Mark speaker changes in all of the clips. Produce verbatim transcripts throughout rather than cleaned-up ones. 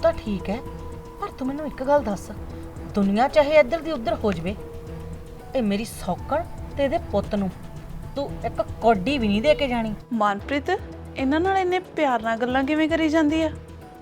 Speaker 1: ਤਾਂ ਠੀਕ ਹੈ, ਪਰ ਤੂੰ ਮੈਨੂੰ ਇੱਕ ਗੱਲ ਦੱਸ, ਦੁਨੀਆ ਚਾਹੇ ਇੱਧਰ ਦੀ ਉੱਧਰ ਹੋ ਜਵੇ, ਇਹ ਮੇਰੀ ਸੌਕਣ ਤੇ ਇਹਦੇ ਪੁੱਤ ਨੂੰ ਤੂੰ ਇੱਕ ਕੌਡੀ ਵੀ ਨਹੀਂ ਦੇ ਕੇ ਜਾਣੀ।
Speaker 2: ਮਨਪ੍ਰੀਤ ਇਹਨਾਂ ਨਾਲ ਇੰਨੇ ਪਿਆਰ ਨਾਲ ਗੱਲਾਂ ਕਿਵੇਂ ਕਰੀ ਜਾਂਦੀ ਆ?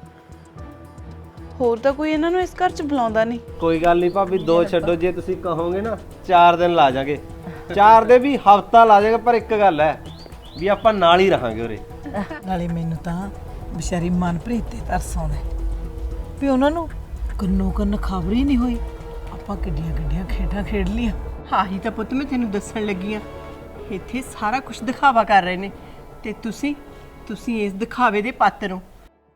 Speaker 2: ਹੋਰ ਤਾਂ ਕੋਈ ਇਹਨਾਂ ਨੂੰ ਇਸ ਘਰ 'ਚ ਬੁਲਾਉਂਦਾ ਨਹੀਂ।
Speaker 3: ਕੋਈ ਗੱਲ ਨਹੀਂ ਭਾਬੀ, ਦੋ ਛੱਡੋ, ਜੇ ਤੁਸੀਂ ਕਹੋਗੇ ਨਾ ਚਾਰ ਦਿਨ ਲਾ ਜਾਗੇ, ਚਾਰ ਦੇ ਵੀ ਹਫਤਾ ਲਾ ਜਾਗੇ, ਪਰ ਇੱਕ ਗੱਲ ਹੈ ਵੀ ਆਪਾਂ ਨਾਲ ਹੀ ਰਹਾਂਗੇ ਉਰੇ।
Speaker 4: ਨਾਲੇ ਮੈਨੂੰ ਤਾਂ ਵਿਚਾਰੀ ਮਨਪ੍ਰੀਤ ਤੇ ਤਰਸ ਆਉਂਦਾ ਵੀ ਉਹਨਾਂ ਨੂੰ ਕੰਨੋ ਕੰਨ ਖਬਰ ਹੀ ਨਹੀਂ ਹੋਈ ਆਪਾਂ ਕਿੱਡੀਆਂ ਕਿੱਡੀਆਂ ਖੇਡਾਂ ਖੇਡ ਲੀਆਂ।
Speaker 5: ਆਹੀ ਤਾਂ ਪੁੱਤ ਮੈਂ ਤੈਨੂੰ ਦੱਸਣ ਲੱਗੀ ਆ, ਇੱਥੇ ਸਾਰਾ ਕੁਝ ਦਿਖਾਵਾ ਕਰ ਰਹੇ ਨੇ ਤੇ ਤੁਸੀਂ ਤੁਸੀਂ ਇਸ ਦਿਖਾਵੇ ਦੇ ਪਾਤਰ ਹੋ।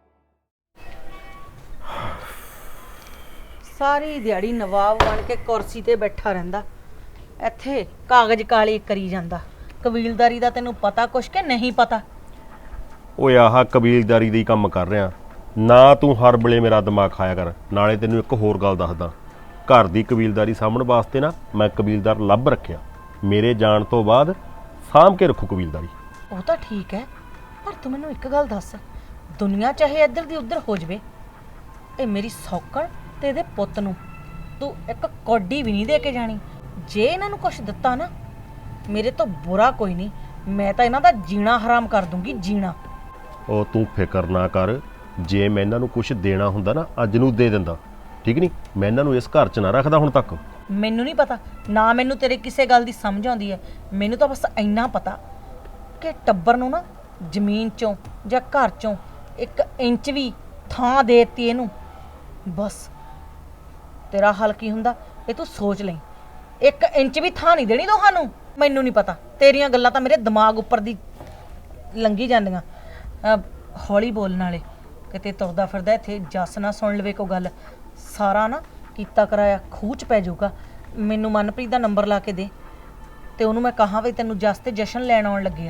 Speaker 1: ਸਾਰੀ ਦਿਹਾੜੀ ਨਵਾਬ ਬਣ ਕੇ ਕੁਰਸੀ ਤੇ ਬੈਠਾ ਰਹਿੰਦਾ, ਇੱਥੇ ਕਾਗਜ਼ ਕਾਲੇ ਕਰੀ ਜਾਂਦਾ। ਕਬੀਲਦਾਰੀ ਦਾ ਤੈਨੂੰ ਪਤਾ ਕੁਛ ਕਿ ਨਹੀਂ ਪਤਾ?
Speaker 6: ਓਏ ਆਹ ਕਬੀਲਦਾਰੀ ਦੇ ਹੀ ਕੰਮ ਕਰ ਰਿਹਾ ਨਾ, ਤੂੰ ਹਰ ਵੇਲੇ ਮੇਰਾ ਦਿਮਾਗ ਖਾਇਆ ਕਰ। ਨਾਲੇ ਤੈਨੂੰ ਇੱਕ ਹੋਰ ਗੱਲ ਦੱਸਦਾ, ਘਰ ਦੀ ਕਬੀਲਦਾਰੀ ਸਾਂਭਣ ਵਾਸਤੇ ਨਾ ਮੈਂ ਕਬੀਲਦਾਰ ਲੱਭ ਰੱਖਿਆ, ਮੇਰੇ ਜਾਣ ਤੋਂ ਬਾਅਦ ਸਾਂਭ ਕੇ ਰੱਖੂ ਕਬੀਲਦਾਰੀ।
Speaker 1: ਉਹ ਤਾਂ ਠੀਕ ਹੈ, ਪਰ ਤੂੰ ਮੈਨੂੰ ਇੱਕ ਗੱਲ ਦੱਸ, ਦੁਨੀਆ ਚਾਹੇ ਇੱਧਰ ਦੀ ਉੱਧਰ ਹੋ ਜਵੇ, ਇਹ ਮੇਰੀ ਸੌਕਣ ਤੇ ਇਹਦੇ ਪੁੱਤ ਨੂੰ ਤੂੰ ਇੱਕ ਕੌਡੀ ਵੀ ਨਹੀਂ ਦੇ ਕੇ ਜਾਣੀ। ਜੇ ਇਹਨਾਂ ਨੂੰ ਕੁਛ ਦਿੱਤਾ ਨਾ, ਮੇਰੇ ਤੋਂ ਬੁਰਾ ਕੋਈ ਨਹੀਂ, ਮੈਂ ਤਾਂ ਇਹਨਾਂ ਦਾ ਜੀਣਾ ਹਰਾਮ ਕਰ ਦੂੰਗੀ, ਜੀਣਾ।
Speaker 6: ਉਹ ਤੂੰ ਫਿਕਰ ਨਾ ਕਰ, ਜੇ ਮੈਂ ਇਹਨਾਂ ਨੂੰ ਕੁਝ ਦੇਣਾ ਹੁੰਦਾ ਨਾ ਅੱਜ ਨੂੰ ਦੇ ਦਿੰਦਾ, ਠੀਕ ਨਹੀਂ? ਮੈਂ ਇਹਨਾਂ ਨੂੰ ਇਸ ਘਰ 'ਚ ਨਾ ਰੱਖਦਾ ਹੁਣ ਤੱਕ।
Speaker 1: ਮੈਨੂੰ ਨਹੀਂ ਪਤਾ ਨਾ, ਮੈਨੂੰ ਤੇਰੇ ਕਿਸੇ ਗੱਲ ਦੀ ਸਮਝ ਆਉਂਦੀ ਹੈ। ਮੈਨੂੰ ਤਾਂ ਬਸ ਇੰਨਾ ਪਤਾ ਕਿ ਟੱਬਰ ਨੂੰ ਨਾ ਜ਼ਮੀਨ 'ਚੋਂ ਜਾਂ ਘਰ 'ਚੋਂ ਇੱਕ ਇੰਚ ਵੀ ਥਾਂ ਦੇ ਦਿੱਤੀ ਇਹਨੂੰ, ਬਸ ਤੇਰਾ ਹੱਲ ਕੀ ਹੁੰਦਾ ਇਹ ਤੂੰ ਸੋਚ ਲਈ। ਇੱਕ ਇੰਚ ਵੀ ਥਾਂ ਨਹੀਂ ਦੇਣੀ ਤੁਹਾਨੂੰ। ਮੈਨੂੰ ਨਹੀਂ ਪਤਾ, ਤੇਰੀਆਂ ਗੱਲਾਂ ਤਾਂ ਮੇਰੇ ਦਿਮਾਗ ਉੱਪਰ ਦੀ ਲੰਘੀ ਜਾਂਦੀਆਂ। ਅਹ ਹੌਲੀ ਬੋਲਣ ਵਾਲੇ, ਕਿਤੇ ਤੁਰਦਾ ਫਿਰਦਾ ਇੱਥੇ ਜੱਸ ਨਾ ਸੁਣ ਲਵੇ ਕੋਈ ਗੱਲ, ਸਾਰਾ ਨਾ ਕੀਤਾ ਕਰਾਇਆ ਖੂਹ 'ਚ ਪੈ ਜਾਊਗਾ। ਮੈਨੂੰ ਮਨਪ੍ਰੀਤ ਦਾ ਨੰਬਰ ਲਾ ਕੇ ਦੇ ਤੇ ਉਹਨੂੰ ਮੈਂ ਕਹਾਂ ਵੀ ਤੈਨੂੰ ਜੱਸ ਤੇ ਜਸ਼ਨ ਲੈਣ ਆਉਣ ਲੱਗੇ ਆ।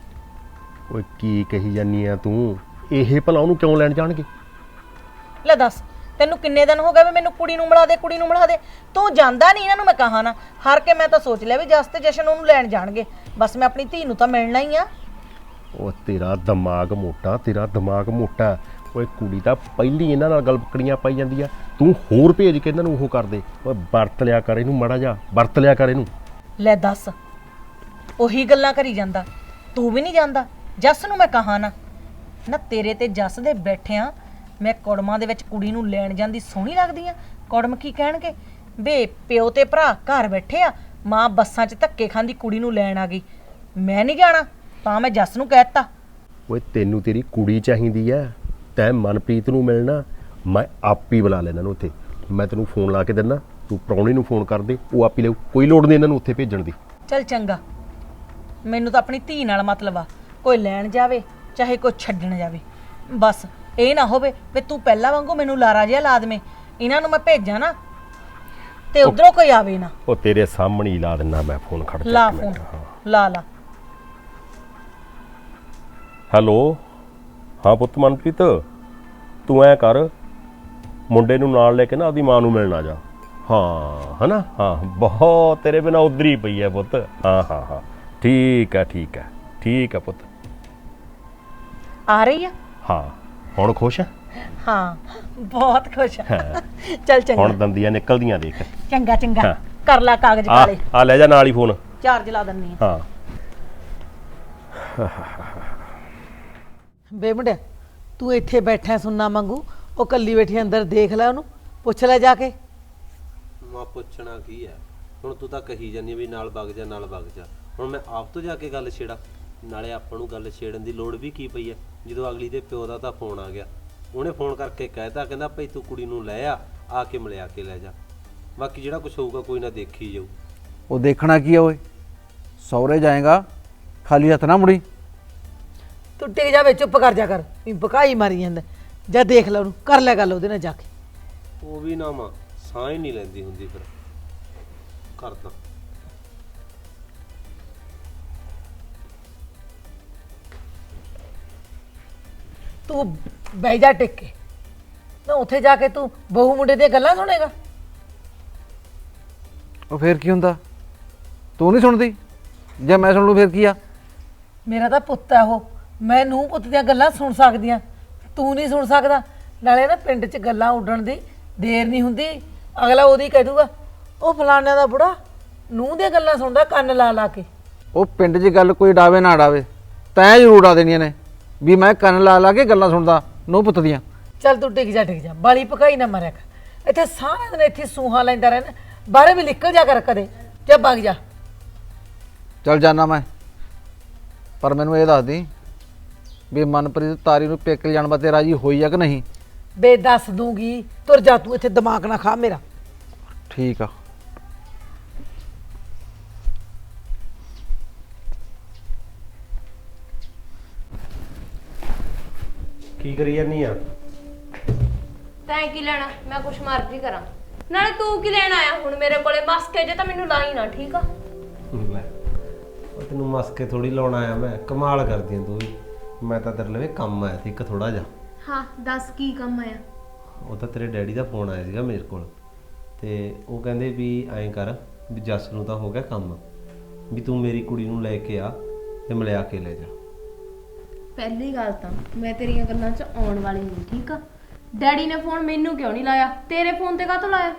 Speaker 6: ਓਏ ਕੀ ਕਹੀ ਜਾਨੀ ਆ ਤੂੰ? ਇਹ ਭਲਾ ਉਹਨੂੰ ਕਿਉਂ ਲੈਣ ਜਾਣਗੇ?
Speaker 1: ਲੈ ਦੱਸ, ਤੈਨੂੰ ਕਿੰਨੇ ਦਿਨ ਹੋ ਗਏ ਵੀ ਮੈਨੂੰ ਕੁੜੀ ਨੂੰ ਮਿਲਾ ਦੇ, ਕੁੜੀ ਨੂੰ ਮਿਲਾ ਦੇ, ਤੂੰ ਜਾਂਦਾ ਨਹੀਂ। ਇਹਨਾਂ ਨੂੰ ਮੈਂ ਕਹਾਂ ਨਾ, ਹਾਰ ਕੇ ਮੈਂ ਤਾਂ ਸੋਚ ਲਿਆ ਵੀ ਜਸ ਤੇ ਜਸ਼ਨ ਉਹਨੂੰ ਲੈਣ ਜਾਣਗੇ, ਬਸ ਮੈਂ ਆਪਣੀ ਧੀ ਨੂੰ ਤਾਂ ਮਿਲਣਾ ਹੀ ਆ।
Speaker 6: ਉਹ ਤੇਰਾ ਦਿਮਾਗ ਮੋਟਾ, ਤੇਰਾ ਦਿਮਾਗ ਮੋਟਾ। ਓਏ ਕੁੜੀ ਤਾਂ ਪਹਿਲੀ ਇਹਨਾਂ ਨਾਲ ਗੱਲ ਪਕੜੀਆਂ ਪਾਈ ਜਾਂਦੀ ਆ, ਤੂੰ ਹੋਰ ਭੇਜ ਕੇ ਇਹਨਾਂ ਨੂੰ ਉਹ ਕਰ ਦੇ। ਓਏ ਵਰਤ ਲਿਆ ਕਰ ਇਹਨੂੰ, ਮਾੜਾ ਜਾ ਵਰਤ ਲਿਆ ਕਰ ਇਹਨੂੰ।
Speaker 1: ਲੈ ਦੱਸ, ਉਹੀ ਗੱਲਾਂ ਕਰੀ ਜਾਂਦਾ, ਤੂੰ ਵੀ ਨਹੀਂ ਜਾਂਦਾ। ਜੱਸ ਨੂੰ ਮੈਂ ਕਹਾਂ ਨਾ, ਨਾ ਤੇਰੇ ਤੇ ਜੱਸ ਦੇ ਬੈਠਿਆਂ ਮੈਂ ਕੁੜਮਾਂ ਦੇ ਵਿੱਚ ਕੁੜੀ ਨੂੰ ਲੈਣ ਜਾਂਦੀ ਸੋਹਣੀ ਲੱਗਦੀ ਆ। ਕੁੜਮ ਕੀ ਕਹਿਣਗੇ, ਬੇ ਪਿਓ ਤੇ ਭਰਾ ਘਰ ਬੈਠੇ ਆ, ਮਾਂ ਬੱਸਾਂ 'ਚ ਧੱਕੇ ਖਾਂਦੀ ਕੁੜੀ ਨੂੰ ਲੈਣ ਆ ਗਈ, ਮੈਂ ਨਹੀਂ ਜਾਣਾ। ਤਾਂ ਮੈਂ ਜੱਸ ਨੂੰ ਕਹਿ ਦਿੱਤਾ।
Speaker 6: ਓਏ ਤੈਨੂੰ ਤੇਰੀ ਕੁੜੀ ਚਾਹੀਦੀ ਐ, ਤੈਂ ਮਨਪ੍ਰੀਤ ਨੂੰ ਮਿਲਣਾ, ਮੈਂ ਆਪ ਹੀ ਬੁਲਾ ਲੈਣਾ ਇਹਨੂੰ ਉੱਥੇ। ਮੈਂ ਤੈਨੂੰ ਫੋਨ ਲਾ ਕੇ ਦਿੰਦਾ, ਤੂੰ ਪ੍ਰਾਹੁਣੇ ਨੂੰ ਫੋਨ ਕਰ ਦੇ, ਉਹ ਆਪ ਹੀ ਲਊ, ਕੋਈ ਲੋੜ ਨਹੀਂ ਇਹਨਾਂ ਨੂੰ ਉੱਥੇ ਭੇਜਣ ਦੀ।
Speaker 1: ਚੱਲ ਚੰਗਾ, ਮੈਨੂੰ ਤਾਂ ਆਪਣੀ ਧੀ ਨਾਲ ਮਤਲਬ ਆ, ਕੋਈ ਲੈਣ ਜਾਵੇ ਚਾਹੇ ਕੋਈ ਛੱਡਣ ਜਾਵੇ, ਬਸ ਇਹ ਨਾ ਹੋਵੇ ਵੀ ਤੂੰ ਪਹਿਲਾਂ ਵਾਂਗੂ ਮੈਨੂੰ ਲਾਰਾ ਜਿਹਾ ਲਾ ਦੇਵੇਂ। ਇਹਨਾਂ ਨੂੰ ਮੈਂ ਭੇਜਾਂ ਨਾ ਤੇ ਉਧਰੋਂ ਕੋਈ ਆਵੇ ਨਾ।
Speaker 6: ਉਹ ਤੇਰੇ ਸਾਹਮਣੇ ਹੀ ਲਾ ਦਿੰਦਾ ਮੈਂ ਫੋਨ, ਖੜ ਜਾ
Speaker 1: ਲਾ
Speaker 6: ਇੱਕ ਮਿੰਟ।
Speaker 1: ਫੋਨ, ਲਾ ਲਾ।
Speaker 6: ਹੈਲੋ, ਹਾਂ ਪੁੱਤ ਮਨਪ੍ਰੀਤ, ਤੂੰ ਐ ਕਰ, ਮੁੰਡੇ ਨੂੰ ਨਾਲ ਲੈ ਕੇ ਨਾ ਆਪਦੀ ਮਾਂ ਨੂੰ ਮਿਲਣ ਆ ਜਾ। ਹਾਂ ਹੈ ਨਾ, ਹਾਂ ਬਹੁਤ ਤੇਰੇ ਬਿਨਾਂ ਉਧਰ ਹੀ ਪਈ ਹੈ ਪੁੱਤ। ਹਾਂ ਹਾਂ ਹਾਂ ਠੀਕ ਹੈ ਠੀਕ ਹੈ ਠੀਕ ਹੈ ਪੁੱਤ।
Speaker 1: ਆ ਰਹੀ ਆ?
Speaker 6: ਹਾਂ, ਹੁਣ ਖੁਸ਼ ਹੈ?
Speaker 1: ਹਾਂ ਬਹੁਤ ਖੁਸ਼ ਆ। ਚੱਲ ਚੰਗਾ,
Speaker 6: ਹੁਣ ਦੰਦੀਆਂ ਨਿਕਲਦੀਆਂ ਦੇਖ।
Speaker 1: ਚੰਗਾ ਚੰਗਾ,
Speaker 6: ਹਾਂ।
Speaker 1: ਕਰ ਲਾ ਕਾਗਜ਼
Speaker 6: ਆ
Speaker 1: ਕਾਲੇ,
Speaker 6: ਆ ਲੈ ਜਾ ਨਾਲ ਹੀ ਫੋਨ।
Speaker 1: ਚਾਰਜ ਲਾ ਦਿੰਨੀ ਆ।
Speaker 6: ਹਾਂ
Speaker 4: ਬੇ ਮੁੰਡਿਆ, ਤੂੰ ਇੱਥੇ ਬੈਠਾ ਸੁਣਨਾ ਮੰਗੂ, ਉਹ ਕੱਲੀ ਬੈਠੀ ਅੰਦਰ ਦੇਖ ਲੈ, ਉਹਨੂੰ ਪੁੱਛ ਲੈ ਜਾ ਕੇ।
Speaker 3: ਮਾਂ ਪੁੱਛਣਾ ਕੀ ਹੈ ਹੁਣ, ਤੂੰ ਤਾਂ ਕਹੀ ਜਾਂਦੀ ਵੀ ਨਾਲ ਵਗ ਜਾ ਨਾਲ ਵਗ ਜਾ, ਹੁਣ ਮੈਂ ਆਪ ਤੋਂ ਜਾ ਕੇ ਗੱਲ ਛੇੜਾ? ਨਾਲੇ ਆਪਾਂ ਨੂੰ ਗੱਲ ਛੇੜਨ ਦੀ ਲੋੜ ਵੀ ਕੀ ਪਈ ਹੈ, ਜਦੋਂ ਅਗਲੀ ਦੇ ਪਿਓ ਦਾ ਤਾਂ ਫੋਨ ਆ ਗਿਆ, ਉਹਨੇ ਫੋਨ ਕਰਕੇ ਕਹਿਤਾ, ਕਹਿੰਦਾ ਭਾਈ ਤੂੰ ਕੁੜੀ ਨੂੰ ਲੈ ਆ, ਆ ਕੇ ਮਿਲਿਆ ਕੇ ਲੈ ਜਾ, ਬਾਕੀ ਜਿਹੜਾ ਕੁਝ ਹੋਊਗਾ ਕੋਈ ਨਾ ਦੇਖੀ ਜਾਊ।
Speaker 7: ਉਹ ਦੇਖਣਾ ਕੀ ਆ ਓਏ, ਸਹੁਰੇ ਜਾਏਗਾ ਖਾਲੀ ਹੱਥ ਨਾ ਮੁੜੀ।
Speaker 4: ਤੂੰ ਟਿਕ ਜਾਵੇ, ਚੁੱਪ ਕਰ ਜਾ ਕਰ, ਵੀ ਬਕਾਈ ਮਾਰੀ ਜਾਂਦਾ। ਜਾ ਦੇਖ ਲੈ ਉਹਨੂੰ, ਕਰ ਲੈ ਗੱਲ ਉਹਦੇ ਨਾਲ ਜਾ ਕੇ।
Speaker 3: ਉਹ ਵੀ ਨਾ ਮਾਂ ਸਾਹ ਹੀ ਨਹੀਂ ਲੈਂਦੀ ਹੁੰਦੀ, ਫਿਰ ਕਰਦਾ।
Speaker 4: ਤੂੰ ਬਹਿ ਜਾ ਟਿਕ ਕੇ, ਨਾ ਉੱਥੇ ਜਾ ਕੇ ਤੂੰ ਬਹੂ ਮੁੰਡੇ ਦੀਆਂ ਗੱਲਾਂ ਸੁਣੇਗਾ।
Speaker 7: ਉਹ ਫੇਰ ਕੀ ਹੁੰਦਾ, ਤੂੰ ਨਹੀਂ ਸੁਣਦੀ? ਜੇ ਮੈਂ ਸੁਣ ਲੂ ਫੇਰ ਕੀ ਆ?
Speaker 4: ਮੇਰਾ ਤਾਂ ਪੁੱਤ ਹੈ ਉਹ, ਮੈਂ ਨੂੰਹ ਪੁੱਤ ਦੀਆਂ ਗੱਲਾਂ ਸੁਣ ਸਕਦੀ ਆ, ਤੂੰ ਨਹੀਂ ਸੁਣ ਸਕਦਾ। ਨਾਲੇ ਨਾ ਪਿੰਡ 'ਚ ਗੱਲਾਂ ਉੱਡਣ ਦੀ ਦੇਰ ਨਹੀਂ ਹੁੰਦੀ। ਅਗਲਾ ਉਹਦੀ ਕਹਿ ਦੂਗਾ ਉਹ ਫਲਾਣਿਆਂ ਦਾ ਬੁੜਾ ਨੂੰਹ ਦੀਆਂ ਗੱਲਾਂ ਸੁਣਦਾ ਕੰਨ ਲਾ ਲਾ ਕੇ।
Speaker 7: ਉਹ ਪਿੰਡ 'ਚ ਗੱਲ ਕੋਈ ਡਾਵੇ ਨਾ ਡਾਵੇ, ਤੈਂ ਜ਼ਰੂਰ ਉਡਾ ਦੇਣੀਆਂ ਨੇ ਵੀ ਮੈਂ ਕੰਨ ਲਾ ਲਾ ਕੇ ਗੱਲਾਂ ਸੁਣਦਾ ਨੂੰਹ ਪੁੱਤ ਦੀਆਂ।
Speaker 4: ਚੱਲ ਤੂੰ ਟਿਕ ਜਾ ਟਿਕ ਜਾ, ਬਾਲੀ ਪਕਾਈ ਨਾ ਮਾਰਿਆ ਕਰ। ਇੱਥੇ ਸਾਰਾ ਦਿਨ ਇੱਥੇ ਸੂਹਾ ਲੈਂਦਾ ਰਹਿਣਾ, ਬਾਹਰ ਵੀ ਨਿਕਲ ਜਾ ਕਰ ਕਦੇ, ਜਾ ਵਗ ਜਾ।
Speaker 7: ਚੱਲ ਜਾਣਾ ਮੈਂ, ਪਰ ਮੈਨੂੰ ਇਹ ਦੱਸ ਦੀ ਵੀ ਮਨਪ੍ਰੀਤ ਤਾਰੀ ਨੂੰ ਪੇਕੇ ਜਾਣ ਵਾਸਤੇ ਰਾਜੀ ਹੋਈ ਆ ਕਿ ਨਹੀਂ?
Speaker 4: ਬੇ ਦੱਸ ਦੂੰਗੀ, ਤੁਰ ਜਾ ਤੂੰ, ਇੱਥੇ ਦਿਮਾਗ ਨਾ ਖਾ ਮੇਰਾ।
Speaker 7: ਠੀਕ ਆ।
Speaker 3: ਕੀ ਕਰੀ ਜਾਨੀ ਆ?
Speaker 8: ਤੈਂ ਕੀ ਲੈਣਾ? ਮੈਂ ਕੁਛ ਮਰਜ਼ੀ ਕਰਾਂ। ਨਾਲੇ ਤੂੰ ਕੀ ਲੈਣ ਆਇਆ ਹੁਣ ਮੇਰੇ ਕੋਲੇ? ਬਸ ਕੇ ਜੇ ਤਾਂ ਮੈਨੂੰ ਲਾਈ ਨਾ, ਠੀਕ ਆ?
Speaker 3: ਲੈ ਉਹ ਤੈਨੂੰ ਮਸਕੇ ਥੋੜੀ ਲਾਉਣ ਆਇਆ ਮੈਂ, ਕਮਾਲ ਕਰਦੀ ਆਂ ਤੂੰ ਵੀ। ਮੈਂ ਤਾਂ ਤੇਰੇ ਲਈ ਕੰਮ ਆਇਆ ਸੀ ਇੱਕ ਥੋੜਾ ਜਿਹਾ।
Speaker 8: ਹਾਂ ਦੱਸ ਕੀ ਕੰਮ ਆਇਆ?
Speaker 3: ਉਹ ਤਾਂ ਤੇਰੇ ਡੈਡੀ ਦਾ ਫੋਨ ਆਇਆ ਸੀਗਾ ਮੇਰੇ ਕੋਲ, ਤੇ ਉਹ ਕਹਿੰਦੇ ਵੀ ਐਂ ਕਰ ਵੀ ਜੱਸ ਨੂੰ ਤਾਂ ਹੋ ਗਿਆ ਕੰਮ, ਵੀ ਤੂੰ ਮੇਰੀ ਕੁੜੀ ਨੂੰ ਲੈ ਕੇ ਆ ਤੇ ਮਿਲਿਆ ਕੇ ਲੈ ਜਾ।
Speaker 8: ਪਹਿਲੀ ਗੱਲ ਤਾਂ ਮੈਂ ਤੇਰੀਆਂ ਗੱਲਾਂ 'ਚ ਆਉਣ ਵਾਲੀ ਨਹੀਂ, ਠੀਕ ਆ? ਡੈਡੀ ਨੇ ਫੋਨ ਮੈਨੂੰ ਕਿਉਂ ਨਹੀਂ ਲਾਇਆ? ਤੇਰੇ ਫੋਨ ਤੇ ਕਾਹਤੋਂ ਲਾਇਆ?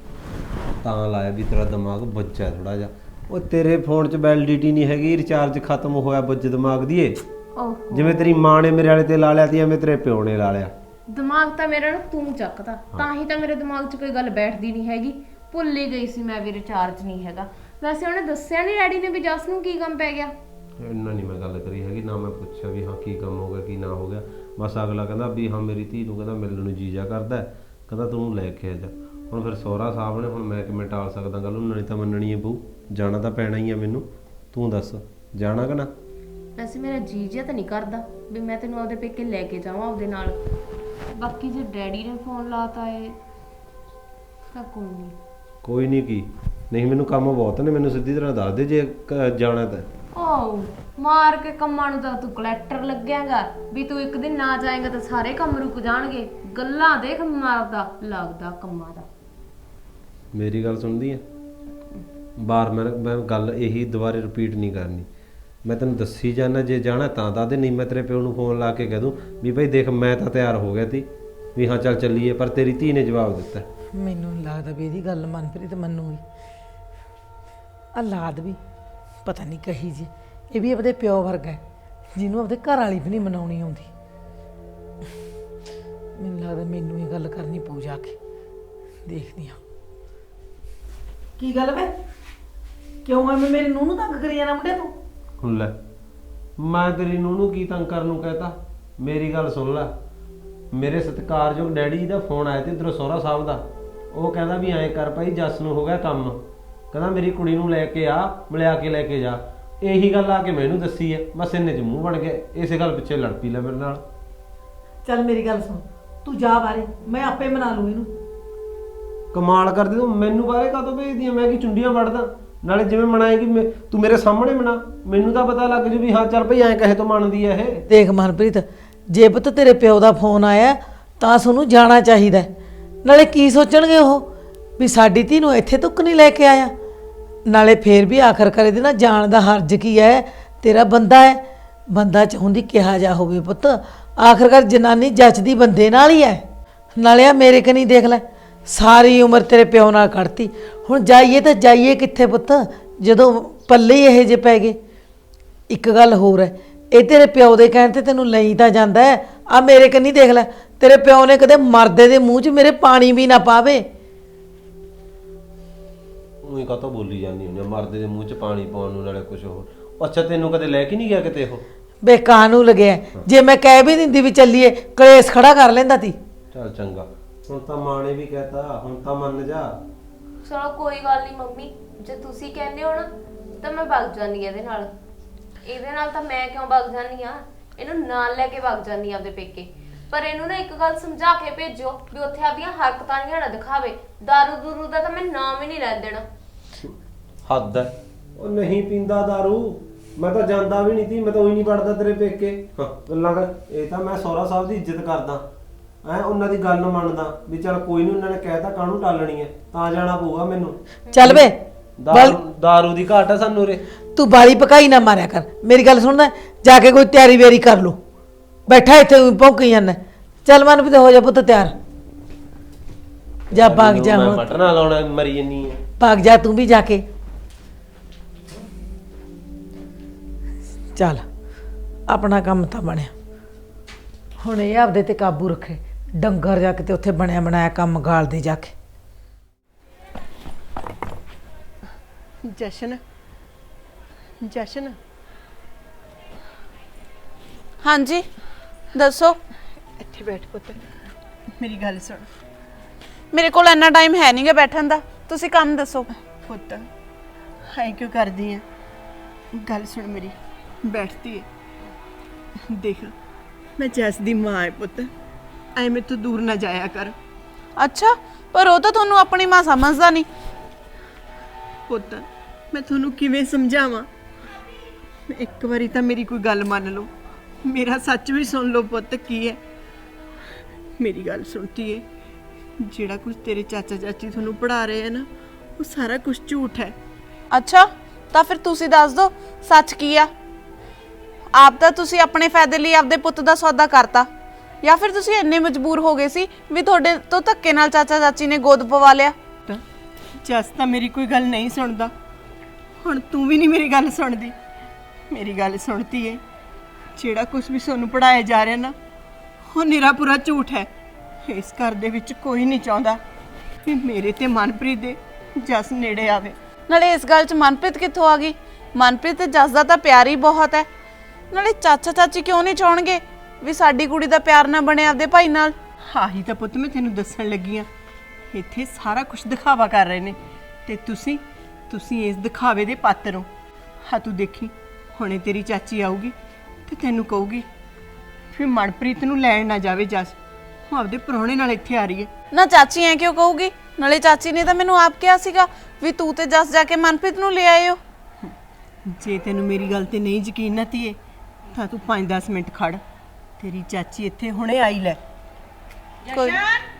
Speaker 3: ਤਾਂ ਲਾਇਆ ਵੀ ਤੇਰਾ ਦਿਮਾਗ ਬੱਚਾ ਥੋੜਾ ਜਿਹਾ। ਉਹ ਤੇਰੇ ਫੋਨ 'ਚ ਵੈਲਿਡਿਟੀ ਨਹੀਂ ਹੈਗੀ, ਰਿਚਾਰਜ ਖਤਮ ਹੋਇਆ ਬੱਜ ਦਿਮਾਗ ਦੀ ਏ।
Speaker 8: ਓਹ
Speaker 3: ਜਿਵੇਂ ਤੇਰੀ ਮਾਂ ਨੇ ਮੇਰੇ ਵਾਲੇ ਤੇ ਲਾ ਲਿਆ ਤੀ, ਐਵੇਂ ਤੇਰੇ ਪਿਓ ਨੇ ਲਾ ਲਿਆ।
Speaker 8: ਦਿਮਾਗ ਤਾਂ ਮੇਰਾ ਨਾ ਤੂੰ ਚੱਕਦਾ, ਤਾਂ ਹੀ ਤਾਂ ਮੇਰੇ ਦਿਮਾਗ 'ਚ ਕੋਈ ਗੱਲ ਬੈਠਦੀ ਨਹੀਂ ਹੈਗੀ। ਭੁੱਲ ਹੀ ਗਈ ਸੀ ਮੈਂ ਵੀ ਰਿਚਾਰਜ ਨਹੀਂ ਹੈਗਾ। ਵੈਸੇ ਉਹਨੇ ਦੱਸਿਆ ਨਹੀਂ ਡੈਡੀ ਨੇ ਵੀ ਜੱਸ ਨੂੰ ਕੀ ਕੰਮ ਪੈ ਗਿਆ?
Speaker 3: ਇੰਨਾ ਨਹੀਂ ਮੈਂ ਗੱਲ ਕਰੀ ਹੈਗੀ, ਨਾ ਮੈਂ ਪੁੱਛਿਆ ਵੀ ਹਾਂ ਕੀ ਕੰਮ ਹੋ ਗਿਆ ਕੀ ਨਾ ਹੋ ਗਿਆ। ਬਸ ਅਗਲਾ ਕਹਿੰਦਾ ਵੀ ਹਾਂ ਮੇਰੀ ਧੀ ਨੂੰ ਕਹਿੰਦਾ ਮਿਲਣ ਨੂੰ ਜੀਜਾ ਕਰਦਾ, ਕਹਿੰਦਾ ਤੂੰ ਲੈ ਕੇ ਆ ਜਾ। ਹੁਣ ਫਿਰ ਸਹੁਰਾ ਸਾਹਿਬ ਨੇ, ਹੁਣ ਮੈਂ ਕਿਵੇਂ ਟਾਲ ਸਕਦਾ ਗੱਲ? ਉਹਨਾਂ ਨੇ ਤਾਂ ਮੰਨਣੀ ਹੈ ਬਹੂ, ਜਾਣਾ ਤਾਂ ਪੈਣਾ ਹੀ ਆ ਮੈਨੂੰ। ਤੂੰ ਦੱਸ ਜਾਣਾ ਕਿ ਨਾ?
Speaker 8: ਵੈਸੇ ਮੇਰਾ ਜੀ ਜਿਹਾ ਤਾਂ ਨਹੀਂ ਕਰਦਾ ਵੀ ਮੈਂ ਤੈਨੂੰ ਆਪਦੇ ਪੇਕੇ ਲੈ ਕੇ ਜਾਵਾਂ ਆਪਦੇ ਨਾਲ। ਬਾਕੀ ਜੇ ਡੈਡੀ ਨੇ ਫੋਨ ਲਾਤਾ ਏ ਤਾਂ ਕੋਈ ਨਹੀਂ।
Speaker 3: ਕੋਈ ਨਹੀਂ ਕੀ ਨਹੀਂ, ਮੈਨੂੰ ਕੰਮ ਬਹੁਤ ਨੇ, ਮੈਨੂੰ ਸਿੱਧੀ ਤਰ੍ਹਾਂ ਦੱਸ ਦੇ ਜੇ ਕ- ਜਾਣਾ ਤਾਂ।
Speaker 8: ਓ ਮਾਰ ਕੇ ਕੰਮਾਂ ਨੂੰ ਤਾਂ ਤੂੰ ਕਲੈਕਟਰ ਲੱਗਿਆਗਾ ਵੀ ਤੂੰ ਇੱਕ ਦਿਨ ਨਾ ਜਾਏਗਾ ਤਾਂ ਸਾਰੇ ਕੰਮ ਰੁਕ ਜਾਣਗੇ। ਗੱਲਾਂ ਦੇਖ ਮਾਰਦਾ ਲੱਗਦਾ ਕੰਮਾਂ ਦਾ।
Speaker 3: ਮੇਰੀ ਗੱਲ ਸੁਣਦੀ ਹੈ? ਬਾਰ ਮੈਂ ਮੈਂ ਗੱਲ ਇਹੀ ਦੁਬਾਰੇ ਰਿਪੀਟ ਨਹੀਂ ਕਰਨੀ। ਮੈਂ ਤੈਨੂੰ ਦੱਸੀ ਜਾਣਾ, ਜੇ ਜਾਣਾ ਤਾਂ ਦੱਸ ਦੇ, ਨਹੀਂ ਮੈਂ ਤੇਰੇ ਪਿਓ ਨੂੰ ਫੋਨ ਲਾ ਕੇ ਕਹਿ ਦੂੰ ਵੀ ਭਾਈ ਦੇਖ ਮੈਂ ਤਾਂ ਤਿਆਰ ਹੋ ਗਿਆ ਤੀ ਵੀ ਹਾਂ ਚੱਲ ਚੱਲੀਏ, ਪਰ ਤੇਰੀ ਧੀ ਨੇ ਜਵਾਬ ਦਿੱਤਾ।
Speaker 4: ਮੈਨੂੰ ਨੀ ਲੱਗਦਾ ਵੀ ਇਹਦੀ ਗੱਲ ਮਨਪ੍ਰੀਤ ਮੰਨੂਗੀ। ਔਲਾਦ ਵੀ ਪਤਾ ਨਹੀਂ ਕਹੀ ਜੀ, ਇਹ ਵੀ ਆਪਦੇ ਪਿਓ ਵਰਗਾ ਹੈ ਜਿਹਨੂੰ ਆਪਦੇ ਘਰ ਵਾਲੀ ਵੀ ਨਹੀਂ ਮਨਾਉਣੀ ਆਉਂਦੀ। ਮੈਨੂੰ ਲੱਗਦਾ ਮੈਨੂੰ ਇਹ ਗੱਲ ਕਰਨੀ ਪਊ ਜਾ ਕੇ, ਦੇਖਦੀ ਹਾਂ ਕੀ ਗੱਲ ਵੇ। ਕਿਉਂ ਐਵੇਂ ਮੇਰੀ ਨੂੰਹ ਨੂੰ ਤੰਗ ਕਰੀ ਜਾਣਾ ਮੁੰਡੇ ਤੂੰ?
Speaker 3: ਹੁਣ ਲੈ ਮੈਂ ਤੇਰੀ ਨੂੰਹ ਨੂੰ ਕੀ ਤੰਗ ਕਰਨ ਨੂੰ ਕਹਿਤਾ? ਮੇਰੀ ਗੱਲ ਸੁਣ ਲੈ, ਮੇਰੇ ਸਤਿਕਾਰਯੋਗ ਡੈਡੀ ਜੀ ਦਾ ਫੋਨ ਆਇਆ ਤੇ ਇੱਧਰੋਂ ਸਹੁਰਾ ਸਾਹਿਬ ਦਾ। ਉਹ ਕਹਿੰਦਾ ਵੀ ਐਂ ਕਰ ਭਾਈ ਜੱਸ ਨੂੰ ਹੋ ਗਿਆ ਕੰਮ, ਕਹਿੰਦਾ ਮੇਰੀ ਕੁੜੀ ਨੂੰ ਲੈ ਕੇ ਆ, ਮਿਲਿਆ ਕੇ ਲੈ ਕੇ ਜਾ। ਇਹੀ ਗੱਲ ਆ ਕੇ ਮੈਨੂੰ ਦੱਸੀ ਹੈ, ਬਸ ਇੰਨੇ 'ਚ ਮੂੰਹ ਬਣ ਗਿਆ, ਇਸੇ ਗੱਲ ਪਿੱਛੇ ਲੜ ਪਈ ਲੈ ਮੇਰੇ ਨਾਲ।
Speaker 4: ਚੱਲ ਮੇਰੀ ਗੱਲ ਸੁਣ, ਤੂੰ ਜਾ ਬਾਰੇ, ਮੈਂ ਆਪੇ ਮਨਾ ਲੂ ਇਹਨੂੰ।
Speaker 3: ਕਮਾਲ ਕਰਦੀ ਤੂੰ, ਮੈਨੂੰ ਬਾਰੇ ਕਾਹਤੋਂ ਭੇਜਦੀ ਆ? ਮੈਂ ਕੀ ਚੁੰਡੀਆਂ ਵੜਦਾ? ਨਾਲੇ ਜਿਵੇਂ ਮਨਾਏਗੀ ਮੈਂ, ਤੂੰ ਮੇਰੇ ਸਾਹਮਣੇ ਮਨਾ, ਮੈਨੂੰ ਤਾਂ ਪਤਾ ਲੱਗ ਜੂ ਵੀ ਹਾਂ ਚੱਲ ਭਈ ਐਂ ਕਹੇ ਤੋਂ ਮੰਨਦੀ ਆ ਇਹ।
Speaker 4: ਦੇਖ ਮਨਪ੍ਰੀਤ, ਜੇ ਪੁੱਤ ਤੇਰੇ ਪਿਓ ਦਾ ਫੋਨ ਆਇਆ ਤਾਂ ਤੁਹਾਨੂੰ ਜਾਣਾ ਚਾਹੀਦਾ। ਨਾਲੇ ਕੀ ਸੋਚਣਗੇ ਉਹ ਵੀ ਸਾਡੀ ਧੀ ਨੂੰ ਇੱਥੇ ਤੱਕ ਨਹੀਂ ਲੈ ਕੇ ਆਇਆ। ਨਾਲੇ ਫੇਰ ਵੀ ਆਖਰਕਾਰ ਇਹਦੇ ਨਾਲ ਜਾਣ ਦਾ ਹਰਜ ਕੀ ਹੈ? ਤੇਰਾ ਬੰਦਾ ਹੈ, ਬੰਦਾ ਚਾਹੁੰਦੀ ਕਿਹਾ ਜਾ ਹੋਵੇ ਪੁੱਤ, ਆਖਰਕਾਰ ਜਨਾਨੀ ਜੱਚਦੀ ਬੰਦੇ ਨਾਲ ਹੀ ਹੈ। ਨਾਲੇ ਆ ਮੇਰੇ ਕਨੀ ਦੇਖ ਲੈ, ਸਾਰੀ ਉਮਰ ਤੇਰੇ ਪਿਓ ਨਾਲ ਕੱਢਤੀ, ਹੁਣ ਜਾਈਏ ਤਾਂ ਜਾਈਏ ਕਿੱਥੇ ਪੁੱਤ ਜਦੋਂ ਪੱਲੇ ਹੀ ਇਹੋ ਜਿਹੇ ਪੈ ਗਏ। ਇੱਕ ਗੱਲ ਹੋਰ ਹੈ, ਇਹ ਤੇਰੇ ਪਿਓ ਦੇ ਕਹਿਣ ਤੇ ਤੈਨੂੰ ਲਈ ਤਾਂ ਜਾਂਦਾ ਹੈ। ਆ ਮੇਰੇ ਕੰਨੀ ਦੇਖ ਲੈ, ਤੇਰੇ ਪਿਓ ਨੇ ਕਦੇ ਮਰਦੇ ਦੇ ਮੂੰਹ 'ਚ ਮੇਰੇ ਪਾਣੀ ਵੀ ਨਾ ਪਾਵੇ।
Speaker 3: ਉਹੀ ਕਾਹਤੋਂ ਬੋਲੀ ਜਾਂਦੀ ਹੁੰਦੀ ਆ, ਮਰਦੇ ਦੇ ਮੂੰਹ 'ਚ ਪਾਣੀ ਪਾਉਣ ਨੂੰ, ਨਾਲੇ ਕੁਝ ਹੋਰ। ਅੱਛਾ ਤੈਨੂੰ ਕਦੇ ਲੈ ਕੇ ਨਹੀਂ ਗਿਆ ਕਿਤੇ ਉਹ?
Speaker 4: ਬੇਕਾਰ ਨੂੰ ਲੱਗਿਆ, ਜੇ ਮੈਂ ਕਹਿ ਵੀ ਦਿੰਦੀ ਵੀ ਚੱਲੀਏ ਕਲੇਸ਼ ਖੜਾ ਕਰ ਲੈਂਦਾ ਤੀ।
Speaker 3: ਚੱਲ ਚੰਗਾ, ਹੁਣ ਤਾਂ ਮਾਂ ਨੇ ਵੀ ਕਹਿਤਾ, ਹੁਣ ਤਾਂ ਮੰਨ ਜਾ।
Speaker 8: ਚਲੋ ਕੋਈ ਗੱਲ ਨਹੀਂ ਮੰਮੀ, ਜੇ ਤੁਸੀਂ ਕਹਿੰਦੇ ਹੋ ਨਾ ਤਾਂ ਮੈਂ ਵਗ ਜਾਂਦੀ ਇਹਦੇ ਨਾਲ। ਇਹਦੇ ਨਾਲ ਤਾਂ ਮੈਂ ਕਿਉਂ ਵਗ ਜਾਂਦੀ ਆ? ਇਹਨੂੰ ਨਾਲ ਲੈ ਕੇ ਵਗ ਜਾਂਦੀ ਆਪਦੇ ਪੇਕੇ। ਪਰ ਇਹਨੂੰ ਨਾ ਇੱਕ ਗੱਲ ਸਮਝਾ ਕੇ ਭੇਜੋ ਵੀ ਉੱਥੇ ਆਪਦੀਆਂ ਹਰਕਤਾਂ ਨਹੀਂ ਨਾ ਦਿਖਾਵੇ। ਦਾਰੂ ਦੂਰੂ ਦਾ ਤਾਂ ਮੈਂ ਨਾਮ ਹੀ ਨਹੀਂ ਲੈਣ ਦੇਣਾ।
Speaker 3: ਹੱਦ ਹੈ, ਉਹ ਨਹੀਂ ਪੀਂਦਾ ਦਾਰੂ, ਮੈਂ ਤਾਂ ਜਾਂਦਾ ਵੀ ਨਹੀਂ ਸੀ, ਮੈਂ ਤਾਂ ਉਹੀ ਨਹੀਂ ਪੜਦਾ ਤੇਰੇ ਪੇਕੇ। ਹਾਂ ਗੱਲਾਂ ਕਰ, ਇਹ ਤਾਂ ਮੈਂ ਸਹੁਰਾ ਸਾਹਿਬ ਦੀ ਇੱਜ਼ਤ ਕਰਦਾ ਐ, ਉਹਨਾਂ ਦੀ ਗੱਲ ਮੰਨਦਾ ਵੀ ਚੱਲ ਕੋਈ ਨਹੀਂ, ਉਹਨਾਂ ਨੇ ਕਹਿਤਾ ਕਾਹਨੂੰ ਟਾਲਣੀ ਹੈ, ਤਾਂ ਜਾਣਾ ਪਊਗਾ ਮੈਨੂੰ।
Speaker 4: ਚੱਲ ਵੇ,
Speaker 3: ਦਾਰੂ ਦਾਰੂ ਦੀ ਘਾਟ ਹੈ ਸਾਨੂੰ ਰੇ।
Speaker 4: ਤੂੰ ਬਾਲੀ ਪਕਾਈ ਨਾ ਮਾਰਿਆ ਕਰ, ਮੇਰੀ ਗੱਲ ਸੁਣਦਾ, ਜਾ ਕੇ ਕੋਈ ਤਿਆਰੀ ਵੇਰੀ ਕਰ ਲੋ। ਬੈਠਾ ਇੱਥੇ ਭੌਂਕੀ ਜਾਂਦਾ, ਚੱਲ ਮਨਪ੍ਰੀਤ ਹੋ ਜਾ ਪੁੱਤ ਤਿਆਰ ਜਾ ਭਾਗ ਜਾ
Speaker 3: ਮੈਂ
Speaker 4: ਹੁਣ
Speaker 3: ਬਟਨਾ ਲਾਉਣਾ ਮਰੀ ਜੰਨੀ ਆ
Speaker 4: ਭਾਗ ਜਾ ਤੂੰ ਵੀ ਜਾ ਕੇ ਚੱਲ ਆਪਣਾ ਕੰਮ ਤਾਂ ਬਣਿਆ ਹੁਣ ਇਹ ਆਪਦੇ ਤੇ ਕਾਬੂ ਰੱਖੇ ਡੰਗਰ ਜਾ ਕੇ ਤੇ ਉੱਥੇ ਬਣਿਆ ਬਣਾਇਆ ਕੰਮ ਗਾਲਦੇ ਜਾ ਕੇ
Speaker 5: ਜਸ਼ਨ ਜਸ਼ਨ
Speaker 2: ਹਾਂਜੀ ਦੱਸੋ।
Speaker 5: ਇੱਥੇ ਬੈਠ ਪੁੱਤ ਮੇਰੀ ਗੱਲ ਸੁਣ
Speaker 2: ਮੇਰੇ ਕੋਲ ਇੰਨਾ ਟਾਈਮ ਹੈ ਨਹੀਂਗਾ ਬੈਠਣ ਦਾ, ਤੁਸੀਂ ਕੰਮ ਦੱਸੋ।
Speaker 5: ਪੁੱਤ ਹਾਈ ਕਿਉਂ ਕਰਦੀ ਹੈ ਗੱਲ ਸੁਣ ਮੇਰੀ ਬੈਠਦੀ ਹੈ ਦੇਖ ਮੈਂ ਜੈਸ ਦੀ ਮਾਂ ਹੈ ਪੁੱਤ ਐਵੇਂ ਤੂੰ ਦੂਰ ਨਾ ਜਾਇਆ ਕਰ।
Speaker 2: ਅੱਛਾ, ਪਰ ਉਹ ਤਾਂ ਤੁਹਾਨੂੰ ਆਪਣੀ ਮਾਂ ਸਮਝਦਾ ਨਹੀਂ।
Speaker 5: ਪੁੱਤ ਮੈਂ ਤੁਹਾਨੂੰ ਕਿਵੇਂ ਸਮਝਾਵਾਂ ਇੱਕ ਵਾਰੀ ਤਾਂ ਮੇਰੀ ਕੋਈ ਗੱਲ ਮੰਨ ਲਓ ਮੇਰਾ ਸੱਚ ਵੀ ਸੁਣ ਲਓ ਪੁੱਤ ਕੀ ਹੈ ਮੇਰੀ ਗੱਲ ਸੁਣਤੀ ਹੈ ਜਿਹੜਾ ਕੁਝ ਤੇਰੇ ਚਾਚਾ ਚਾਚੀ ਤੁਹਾਨੂੰ ਪੜ੍ਹਾ ਰਹੇ ਆ ਨਾ ਉਹ ਸਾਰਾ ਕੁਝ ਝੂਠ ਹੈ।
Speaker 2: ਅੱਛਾ, ਤਾਂ ਫਿਰ ਤੁਸੀਂ ਦੱਸ ਦਿਓ ਸੱਚ ਕੀ ਆ। ਆਪ ਤਾਂ ਤੁਸੀਂ ਆਪਣੇ ਫਾਇਦੇ ਲਈ ਆਪਦੇ ਪੁੱਤ ਦਾ ਸੌਦਾ ਕਰਤਾ, ਜਾਂ ਫਿਰ ਤੁਸੀਂ ਇੰਨੇ ਮਜਬੂਰ ਹੋ ਗਏ ਸੀ ਵੀ ਤੁਹਾਡੇ ਤੋਂ ਧੱਕੇ ਨਾਲ ਚਾਚਾ ਚਾਚੀ ਨੇ ਗੋਦ ਪਵਾ ਲਿਆ।
Speaker 5: ਜਸ ਤਾਂ ਮੇਰੀ ਕੋਈ ਗੱਲ ਨਹੀਂ ਸੁਣਦਾ, ਹੁਣ ਤੂੰ ਵੀ ਨਹੀਂ ਮੇਰੀ ਗੱਲ ਸੁਣਦੀ। ਮੇਰੀ ਗੱਲ ਸੁਣਤੀ ਏ ਜਿਹੜਾ ਕੁਝ ਵੀ ਤੁਹਾਨੂੰ ਪੜਾਇਆ ਜਾ ਰਿਹਾ ਨਾ ਉਹ ਨਿਰਾ ਪੂਰਾ ਝੂਠ ਹੈ। ਇਸ ਘਰ ਦੇ ਵਿੱਚ ਕੋਈ ਨਹੀਂ ਚਾਹੁੰਦਾ ਕਿ ਮੇਰੇ ਤੇ ਮਨਪ੍ਰੀਤ ਦੇ ਜਸ ਨੇੜੇ ਆਵੇ।
Speaker 2: ਨਾਲੇ ਇਸ ਗੱਲ 'ਚ ਮਨਪ੍ਰੀਤ ਕਿੱਥੋਂ ਆ ਗਈ? ਮਨਪ੍ਰੀਤ ਤੇ ਜਸ ਦਾ ਤਾਂ ਪਿਆਰ ਹੀ ਬਹੁਤ ਹੈ। ਨਾਲੇ ਚਾਚਾ ਚਾਚੀ ਕਿਉਂ ਨਹੀਂ ਚਾਹਣਗੇ ਵੀ ਸਾਡੀ ਕੁੜੀ ਦਾ ਪਿਆਰ ਨਾ ਬਣੇ ਆਪਦੇ ਭਾਈ ਨਾਲ?
Speaker 5: ਆਹੀ ਤਾਂ ਪੁੱਤ ਮੈਂ ਤੈਨੂੰ ਦੱਸਣ ਲੱਗੀ ਆ ਇੱਥੇ ਸਾਰਾ ਕੁਝ ਦਿਖਾਵਾ ਕਰ ਰਹੇ ਨੇ ਤੇ ਤੁਸੀਂ ਤੁਸੀਂ ਇਸ ਦਿਖਾਵੇ ਦੇ ਪਾਤਰ ਹੋ। ਹਾਂ ਤੂੰ ਦੇਖੀ ਹੁਣੇ ਤੇਰੀ ਚਾਚੀ ਆਊਗੀ ਤੇ ਤੈਨੂੰ ਕਹੂਗੀ ਫਿਰ ਮਨਪ੍ਰੀਤ ਨੂੰ ਲੈਣ ਨਾ ਜਾਵੇ ਜਸ, ਉਹ ਆਪਦੇ ਪ੍ਰਾਹੁਣੇ ਨਾਲ ਇੱਥੇ ਆ ਰਹੀ ਹੈ।
Speaker 2: ਨਾ ਚਾਚੀ ਐ ਕਿਉਂ ਕਹੂਗੀ? ਨਾਲੇ ਚਾਚੀ ਨੇ ਤਾਂ ਮੈਨੂੰ ਆਪ ਕਿਹਾ ਸੀਗਾ ਵੀ ਤੂੰ ਤੇ ਜਸ ਜਾ ਕੇ ਮਨਪ੍ਰੀਤ ਨੂੰ ਲੈ ਆਇਓ।
Speaker 5: ਜੇ ਤੈਨੂੰ ਮੇਰੀ ਗੱਲ ਤੇ ਨਹੀਂ ਯਕੀਨ ਨਾ ਧੀਏ ਤਾਂ ਤੂੰ ਪੰਜ ਦਸ ਮਿੰਟ ਖੜ, ਤੇਰੀ ਚਾਚੀ ਇੱਥੇ ਹੁਣੇ ਆਈ ਲੈ।
Speaker 2: ਕੋਈ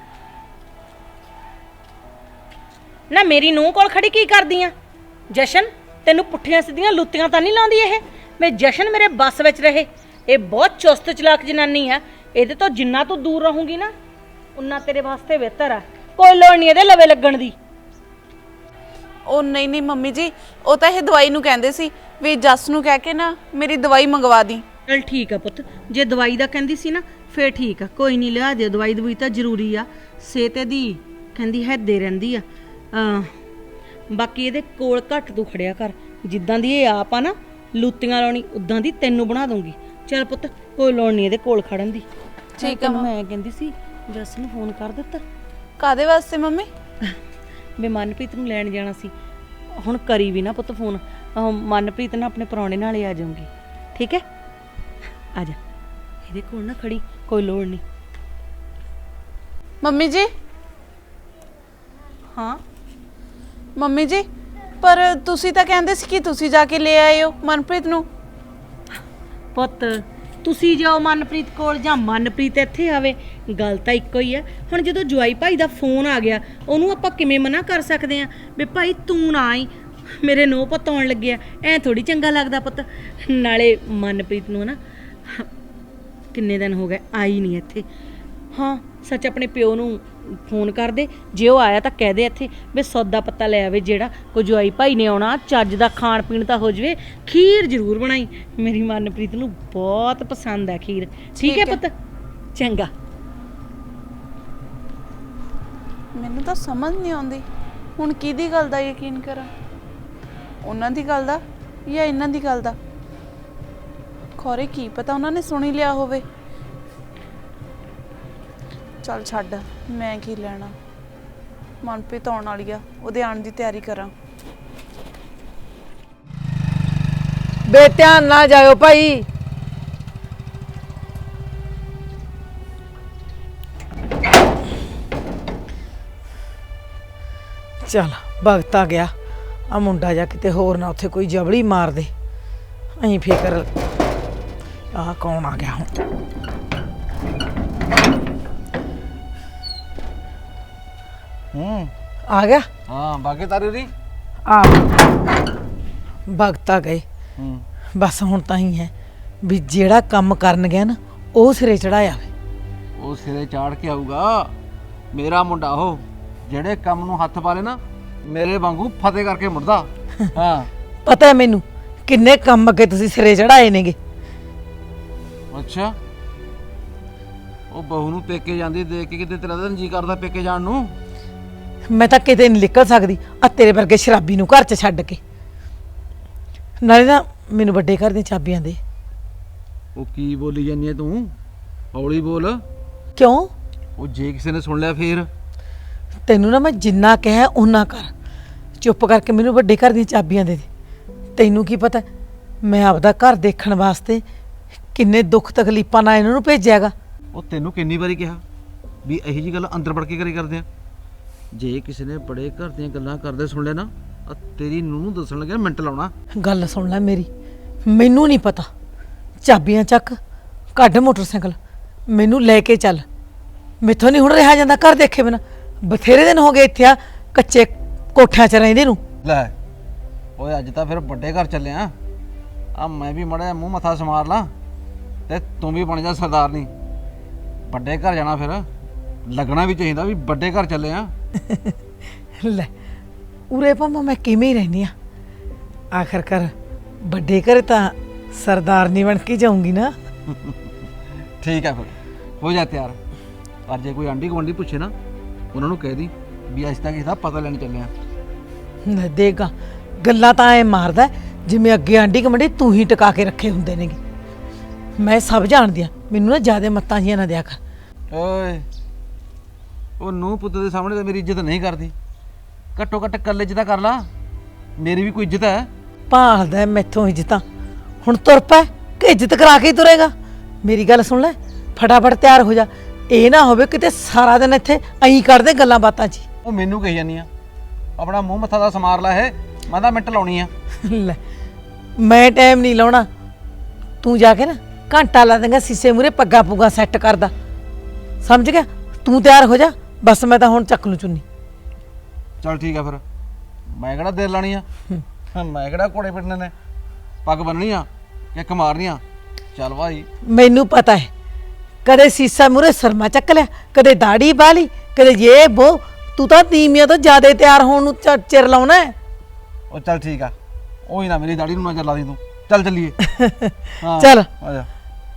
Speaker 1: ਨਾ ਮੇਰੀ ਨੂੰਹ ਕੋਲ ਖੜੀ ਕੀ ਕਰਦੀ ਆ? ਜਸ਼ਨ ਤੈਨੂੰ ਪੁੱਠੀਆਂ ਸਿੱਧੀਆਂ ਲੁੱਤੀਆਂ ਤਾਂ ਨਹੀਂ ਲਾਉਂਦੀ ਇਹ? ਮੈਂ ਜਸ਼ਨ ਮੇਰੇ ਬੱਸ ਵਿੱਚ ਰਹੇ। ਇਹ ਬਹੁਤ ਚੁਸਤ ਚਲਾਕ ਜਨਾਨੀ ਆ, ਇਹਦੇ ਤੋਂ ਜਿੰਨਾ ਤੂੰ ਦੂਰ ਰਹੂੰਗੀ ਨਾ ਉਨਾ ਤੇਰੇ ਵਾਸਤੇ ਬਿਹਤਰ ਆ। ਕੋਈ ਲੋੜ ਨਹੀਂ ਇਹਦੇ ਲਵੇ ਲੱਗਣ ਦੀ।
Speaker 2: ਉਹ ਨਹੀਂ ਨਹੀਂ ਮੰਮੀ ਜੀ, ਉਹ ਤਾਂ ਇਹ ਦਵਾਈ ਨੂੰ ਕਹਿੰਦੇ ਸੀ ਵੀ ਜਸ ਨੂੰ ਕਹਿ ਕੇ ਨਾ ਮੇਰੀ ਦਵਾਈ ਮੰਗਵਾ ਦੀ।
Speaker 1: ਚਲ ਠੀਕ ਆ ਪੁੱਤ, ਜੇ ਦਵਾਈ ਦਾ ਕਹਿੰਦੀ ਸੀ ਨਾ ਫੇਰ ਠੀਕ ਆ, ਕੋਈ ਨਹੀਂ ਲਿਆ ਦਿਓ ਦਵਾਈ। ਦਵਾਈ ਤਾਂ ਜ਼ਰੂਰੀ ਆ, ਸਿਹਤ ਦੀ ਕਹਿੰਦੀ ਹੈਦੇ ਰਹਿੰਦੀ ਆ। ਅਹ ਬਾਕੀ ਇਹਦੇ ਕੋਲ ਘੱਟ ਤੂੰ ਖੜਿਆ ਕਰ, ਜਿੱਦਾਂ ਦੀ ਇਹ ਆਪ ਆ ਨਾ ਲੂਤੀਆਂ ਲਾਉਣੀ ਉਦਾਂ ਦੀ ਤੈਨੂੰ ਬਣਾ ਦੂੰਗੀ। ਚੱਲ ਪੁੱਤ ਕੋਈ ਲੋੜ ਨਹੀਂ ਇਹਦੇ ਕੋਲ ਖੜਨ ਦੀ।
Speaker 2: ਠੀਕ ਆ।
Speaker 1: ਮੈਂ ਕਹਿੰਦੀ ਸੀ ਜਸ ਨੂੰ ਫੋਨ ਕਰ ਦਿੱਤਾ?
Speaker 2: ਕਾਦੇ ਵਾਸਤੇ ਮੰਮੀ?
Speaker 1: ਮੈਂ ਮਨਪ੍ਰੀਤ ਨੂੰ ਲੈਣ ਜਾਣਾ ਸੀ, ਹੁਣ ਕਰੀ ਵੀ ਨਾ ਪੁੱਤ ਫੋਨ। ਮਨਪ੍ਰੀਤ ਨਾ ਆਪਣੇ ਪ੍ਰਾਹੁਣੇ ਨਾਲ ਹੀ ਆ ਜਾਊਂਗੀ, ਠੀਕ ਹੈ? ਆ ਜਾ ਇਹਦੇ ਕੋਲ ਨਾ ਖੜੀ, ਕੋਈ ਲੋੜ ਨਹੀਂ।
Speaker 2: ਮੰਮੀ ਜੀ।
Speaker 1: ਹਾਂ
Speaker 2: ਮੰਮੀ ਜੀ, ਪਰ ਤੁਸੀਂ ਤਾਂ ਕਹਿੰਦੇ ਸੀ ਕਿ ਤੁਸੀਂ ਜਾ ਕੇ ਲੈ ਆਏ ਹੋ ਮਨਪ੍ਰੀਤ ਨੂੰ।
Speaker 1: ਪੁੱਤ ਤੁਸੀਂ ਜਾਓ ਮਨਪ੍ਰੀਤ ਕੋਲ ਜਾਂ ਮਨਪ੍ਰੀਤ ਇੱਥੇ ਆਵੇ, ਗੱਲ ਤਾਂ ਇੱਕੋ ਹੀ ਹੈ। ਹੁਣ ਜਦੋਂ ਜਵਾਈ ਭਾਈ ਦਾ ਫੋਨ ਆ ਗਿਆ ਉਹਨੂੰ ਆਪਾਂ ਕਿਵੇਂ ਮਨਾ ਕਰ ਸਕਦੇ ਆ ਵੀ ਭਾਈ ਤੂੰ ਨਾ ਆਈ, ਮੇਰੇ ਨੋ ਪੁੱਤ ਆਉਣ ਲੱਗਿਆ, ਐ ਥੋੜੀ ਚੰਗਾ ਲੱਗਦਾ ਪੁੱਤ। ਨਾਲੇ ਮਨਪ੍ਰੀਤ ਨੂੰ ਨਾ ਕਿੰਨੇ ਦਿਨ ਹੋ ਗਏ ਆਈ ਨਹੀਂ ਇੱਥੇ। ਹਾਂ ਸੱਚ ਆਪਣੇ ਪਿਓ ਨੂੰ ਫੋਨ ਕਰ ਦੇ, ਜੇ ਉਹ ਆਇਆ ਤਾਂ ਕਹਿ ਦੇ ਇੱਥੇ ਵੀ ਸੌਦਾ ਪੱਤਾ ਲੈ ਆਵੇ, ਜਿਹੜਾ ਕੋਈ ਜਵਾਈ ਭਾਈ ਨੇ ਆਉਣਾ ਚੱਜ ਦਾ ਖਾਣ ਪੀਣ ਤਾਂ ਹੋ ਜਵੇ। ਖੀਰ ਜ਼ਰੂਰ ਬਣਾਈ, ਮੇਰੀ ਮਨਪ੍ਰੀਤ ਨੂੰ ਬਹੁਤ ਪਸੰਦ ਹੈ ਖੀਰ। ਠੀਕ ਹੈ ਪੁੱਤ? ਚੰਗਾ।
Speaker 2: ਮੈਨੂੰ ਤਾਂ ਸਮਝ ਨਹੀਂ ਆਉਂਦੀ ਹੁਣ ਕਿਹਦੀ ਗੱਲ ਦਾ ਯਕੀਨ ਕਰਾਂ, ਉਹਨਾਂ ਦੀ ਗੱਲ ਦਾ ਜਾਂ ਇਹਨਾਂ ਦੀ ਗੱਲ ਦਾ। ਖੋਰੇ ਕੀ ਪਤਾ ਉਹਨਾਂ ਨੇ ਸੁਣ ਹੀ ਲਿਆ ਹੋਵੇ। ਚੱਲ ਛੱਡ, ਮੈਂ ਕੀ ਲੈਣਾ। ਮਨਪ੍ਰੀਤ ਆਉਣ ਵਾਲੀ ਆ, ਉਹਦੇ ਆਉਣ ਦੀ ਤਿਆਰੀ ਕਰਾਂ।
Speaker 4: ਬੇ ਧਿਆਨ ਨਾ ਜਾਇਓ ਭਾਈ। ਚੱਲ ਵਕਤ ਆ ਗਿਆ, ਆ ਮੁੰਡਾ ਜਾ ਕਿਤੇ ਹੋਰ ਨਾ ਉੱਥੇ ਕੋਈ ਜਬੜੀ ਮਾਰ ਦੇ। ਅਹੀਂ ਫਿਕਰ ਆਹ ਕੌਣ ਆ ਗਿਆ ਹੁਣ?
Speaker 7: ਹੂੰ
Speaker 4: ਆ ਗਿਆ?
Speaker 7: ਹਾਂ ਬਾਕੀ ਤਾਰੀ ਰੀ
Speaker 4: ਆ ਵਕਤ ਆ ਗਏ।
Speaker 7: ਹੂੰ
Speaker 4: ਬਸ ਹੁਣ ਤਾਂ ਹੀ ਹੈ ਵੀ ਜਿਹੜਾ ਕੰਮ ਕਰਨ ਗਿਆ ਨਾ ਉਹ ਸਿਰੇ ਚੜਾਇਆ ਵੇ।
Speaker 7: ਉਹ ਸਿਰੇ ਚਾੜ ਕੇ ਆਊਗਾ। ਮੇਰਾ ਮੁੰਡਾ ਉਹ, ਜਿਹੜੇ ਕੰਮ ਨੂੰ ਹੱਥ ਪਾ ਲੇ ਨਾ ਮੇਰੇ ਵਾਂਗੂ ਫਤਿਹ ਕਰਕੇ ਮੁੜਦਾ। ਹਾਂ
Speaker 4: ਪਤਾ ਹੈ ਮੈਨੂੰ ਕਿੰਨੇ ਕੰਮ ਅੱਗੇ ਤੁਸੀਂ ਸਿਰੇ ਚੜਾਏ ਨੇਗੇ।
Speaker 7: ਅੱਛਾ, ਉਹ ਬਹੂ ਨੂੰ ਪੇਕੇ ਜਾਂਦੀ ਦੇਖ ਕੇ ਕਿਤੇ ਤੇਰਾ ਤਾਂ ਜੀ ਕਰਦਾ ਪੇਕੇ ਜਾਣ ਨੂੰ।
Speaker 4: ਮੈਂ ਤਾਂ ਕਿਤੇ ਨਹੀਂ ਨਿਕਲ ਸਕਦੀ ਆ ਤੇਰੇ ਵਰਗੇ ਸ਼ਰਾਬੀ ਨੂੰ ਘਰ 'ਚ ਛੱਡ ਕੇ। ਨਾਲੇ ਨਾ ਮੈਨੂੰ ਵੱਡੇ ਘਰ ਦੀਆਂ ਚਾਬੀਆਂ ਦੇ।
Speaker 7: ਉਹ ਕੀ ਬੋਲੀ ਜਾਂਦੀ ਐ ਤੂੰ? ਹੌਲੀ ਬੋਲ।
Speaker 4: ਕਿਉਂ?
Speaker 7: ਉਹ ਜੇ ਕਿਸੇ ਨੇ ਸੁਣ ਲਿਆ ਫੇਰ?
Speaker 4: ਤੈਨੂੰ ਨਾ ਮੈਂ ਜਿੰਨਾ ਕਿਹਾ ਓਨਾ ਕਰ। ਚੁੱਪ ਕਰਕੇ ਮੈਨੂੰ ਵੱਡੇ ਘਰ ਦੀਆਂ ਚਾਬੀਆਂ ਦੇ ਦੇ। ਤੈਨੂੰ ਕੀ ਪਤਾ ਮੈਂ ਆਪਦਾ ਘਰ ਦੇਖਣ ਵਾਸਤੇ ਕਿੰਨੇ ਦੁੱਖ ਤਕਲੀਫਾਂ ਨਾਲ ਇਹਨਾਂ ਨੂੰ ਭੇਜਿਆਗਾ।
Speaker 7: ਉਹ ਤੈਨੂੰ ਕਿੰਨੀ ਵਾਰੀ ਕਿਹਾ ਵੀ ਇਹੀ ਜੀ ਗੱਲ ਅੰਦਰ ਵੜ ਕੇ ਕਰੇ ਕਰਦੇ ਆ। ਜੇ ਕਿਸੇ ਨੇ ਬੜੇ ਘਰ ਦੀਆਂ ਗੱਲਾਂ ਕਰਦੇ ਸੁਣ ਲਿਆ ਨਾ, ਆ ਤੇਰੀ ਨੂੰਹ ਨੂੰ ਦੱਸਣ ਲੱਗਿਆ ਮਿੰਟ ਲਾਉਣਾ।
Speaker 4: ਗੱਲ ਸੁਣ ਲੈ ਮੇਰੀ, ਮੈਨੂੰ ਨਹੀਂ ਪਤਾ। ਚਾਬੀਆਂ ਚੱਕ, ਕੱਢ ਮੋਟਰਸਾਈਕਲ, ਮੈਨੂੰ ਲੈ ਕੇ ਚੱਲ। ਮੈਥੋਂ ਨਹੀਂ ਹੁਣ ਰਿਹਾ ਜਾਂਦਾ ਘਰ ਦੇਖੇ ਬਿਨਾ। ਬਥੇਰੇ ਦਿਨ ਹੋ ਗਏ ਇੱਥੇ ਆ ਕੱਚੇ ਕੋਠਿਆਂ 'ਚ ਰਹਿੰਦੇ ਨੂੰ।
Speaker 7: ਲੈ ਓਏ ਅੱਜ ਤਾਂ ਫਿਰ ਵੱਡੇ ਘਰ ਚੱਲੇ ਆ। ਆ ਮੈਂ ਵੀ ਮੜਾ ਮੂੰਹ ਮੱਥਾ ਸਮਾਰ ਲਾਂ ਤੇ ਤੂੰ ਵੀ ਬਣ ਜਾ ਸਰਦਾਰਨੀ। ਵੱਡੇ ਘਰ ਜਾਣਾ ਫਿਰ ਲੱਗਣਾ ਵੀ ਚਾਹੀਦਾ ਵੀ ਵੱਡੇ ਘਰ ਚੱਲੇ ਆ।
Speaker 4: ਲੈ ਉਰੇ ਭਾਵੇਂ ਮੈਂ ਕਿਵੇਂ ਹੀ ਰਹਿੰਦੀ ਆ, ਆਖਰਕਾਰ ਵੱਡੇ ਘਰ ਤਾਂ ਸਰਦਾਰਨੀ ਬਣ ਕੇ ਜਾਊਂਗੀ ਨਾ।
Speaker 7: ਠੀਕ ਹੈ ਫਿਰ ਹੋ ਜਾ ਤਿਆਰ। ਪਰ ਜੇ ਕੋਈ ਆਂਢੀ ਗੁਆਂਢੀ ਪੁੱਛੇ ਨਾ, ਉਹਨਾਂ ਨੂੰ ਕਹਿ ਦੀ ਵੀ ਅੱਜ ਤੱਕ ਇਹਦਾ ਪਤਾ ਲੈਣ ਚੱਲੇ ਆ।
Speaker 4: ਲੈ ਦੇਗਾ ਗੱਲਾਂ ਤਾਂ ਐ ਮਾਰਦਾ ਜਿਵੇਂ ਅੱਗੇ ਆਂਢੀ ਕਮੰਡੀ ਤੂੰ ਹੀ ਟਿਕਾ ਕੇ ਰੱਖੇ ਹੁੰਦੇ ਨੇਗੇ। ਮੈਂ ਸਭ ਜਾਣਦੀ ਆ, ਮੈਨੂੰ ਨਾ ਜ਼ਿਆਦਾ ਮੱਤਾਂ ਜੀਆਂ ਨਾ ਦਿਆ ਕਰ।
Speaker 7: ਓਏ ਉਹ ਨੂੰਹ ਪੁੱਤ ਦੇ ਸਾਹਮਣੇ ਤਾਂ ਮੇਰੀ ਇੱਜ਼ਤ ਨਹੀਂ ਕਰਦੀ। ਘੱਟੋ ਘੱਟ ਕੱਲੇ 'ਚ ਤਾਂ ਕਰ ਲਾ, ਮੇਰੀ ਵੀ ਕੋਈ ਇੱਜ਼ਤ ਹੈ।
Speaker 4: ਭਾਲਦਾ ਮੈਥੋਂ ਇੱਜ਼ਤਾਂ। ਹੁਣ ਤੁਰ ਪੈ ਕਿ ਇੱਜ਼ਤ ਕਰਾ ਕੇ ਹੀ ਤੁਰੇਗਾ। ਮੇਰੀ ਗੱਲ ਸੁਣ ਲੈ, ਫਟਾਫਟ ਤਿਆਰ ਹੋ ਜਾ। ਇਹ ਨਾ ਹੋਵੇ ਕਿਤੇ ਸਾਰਾ ਦਿਨ ਇੱਥੇ ਐਂ ਕਰਦੇ ਗੱਲਾਂ ਬਾਤਾਂ 'ਚ।
Speaker 7: ਉਹ ਮੈਨੂੰ ਕਹੀ ਜਾਂਦੀ ਆ ਆਪਣਾ ਮੂੰਹ ਮੱਥਾ ਦਾ ਸਮਾਰ ਲੈ। ਇਹ ਮੈਂ ਤਾਂ ਮਿੰਟ ਲਾਉਣੀ ਆ।
Speaker 4: ਲੈ ਮੈਂ ਟਾਈਮ ਨਹੀਂ ਲਾਉਣਾ। ਤੂੰ ਜਾ ਕੇ ਨਾ ਘੰਟਾ ਲਾ ਦੇਂਗਾ ਸੀਸੇ ਮੂਰੇ ਪੱਗਾ ਪੁੱਗਾ ਸੈੱਟ ਕਰਦਾ, ਸਮਝ ਗਿਆ? ਤੂੰ ਤਿਆਰ ਹੋ ਜਾ ਬਸ, ਮੈਂ ਤਾਂ ਹੁਣ ਚੱਕ ਲੂ ਚੁੰਨੀ।
Speaker 7: ਚਲ ਠੀਕ ਆ ਫਿਰ, ਮੈਂ ਕਿਹੜਾ ਦੇਰ ਲਾਣੀ ਆ। ਮੈਂ ਕਿਹੜਾ ਘੋੜੇ ਪਿੱਟਣੇ ਨੇ, ਪੱਗ ਬੰਨਣੀ ਆ ਕਿੱਕ ਮਾਰਨੀ ਆ। ਚੱਲ ਭਾਈ
Speaker 4: ਮੈਨੂੰ ਪਤਾ ਹੈ, ਕਦੇ ਸੀਸਾ ਮੂਰੇ ਸਰਮਾ ਚੱਕ ਲਿਆ, ਕਦੇ ਦਾੜੀ ਬਾਲੀ, ਕਦੇ ਇਹ ਬੋ। ਤੂੰ ਤਾਂ ਤੀਮੀਆਂ ਤੋਂ ਜ਼ਿਆਦਾ ਤਿਆਰ ਹੋਣ ਨੂੰ ਚ- ਚਿਰ ਲਾਉਣਾ ਹੈ।
Speaker 7: ਉਹ ਚੱਲ ਠੀਕ ਆ, ਉਹੀ ਨਾ ਮੇਰੀ ਦਾੜੀ ਨੂੰ ਨਜ਼ਰ ਲਾ ਦੀ ਤੂੰ। ਚੱਲ ਚੱਲੀਏ। ਹਾਂ,
Speaker 4: ਚੱਲ।
Speaker 7: ਆ ਜਾ।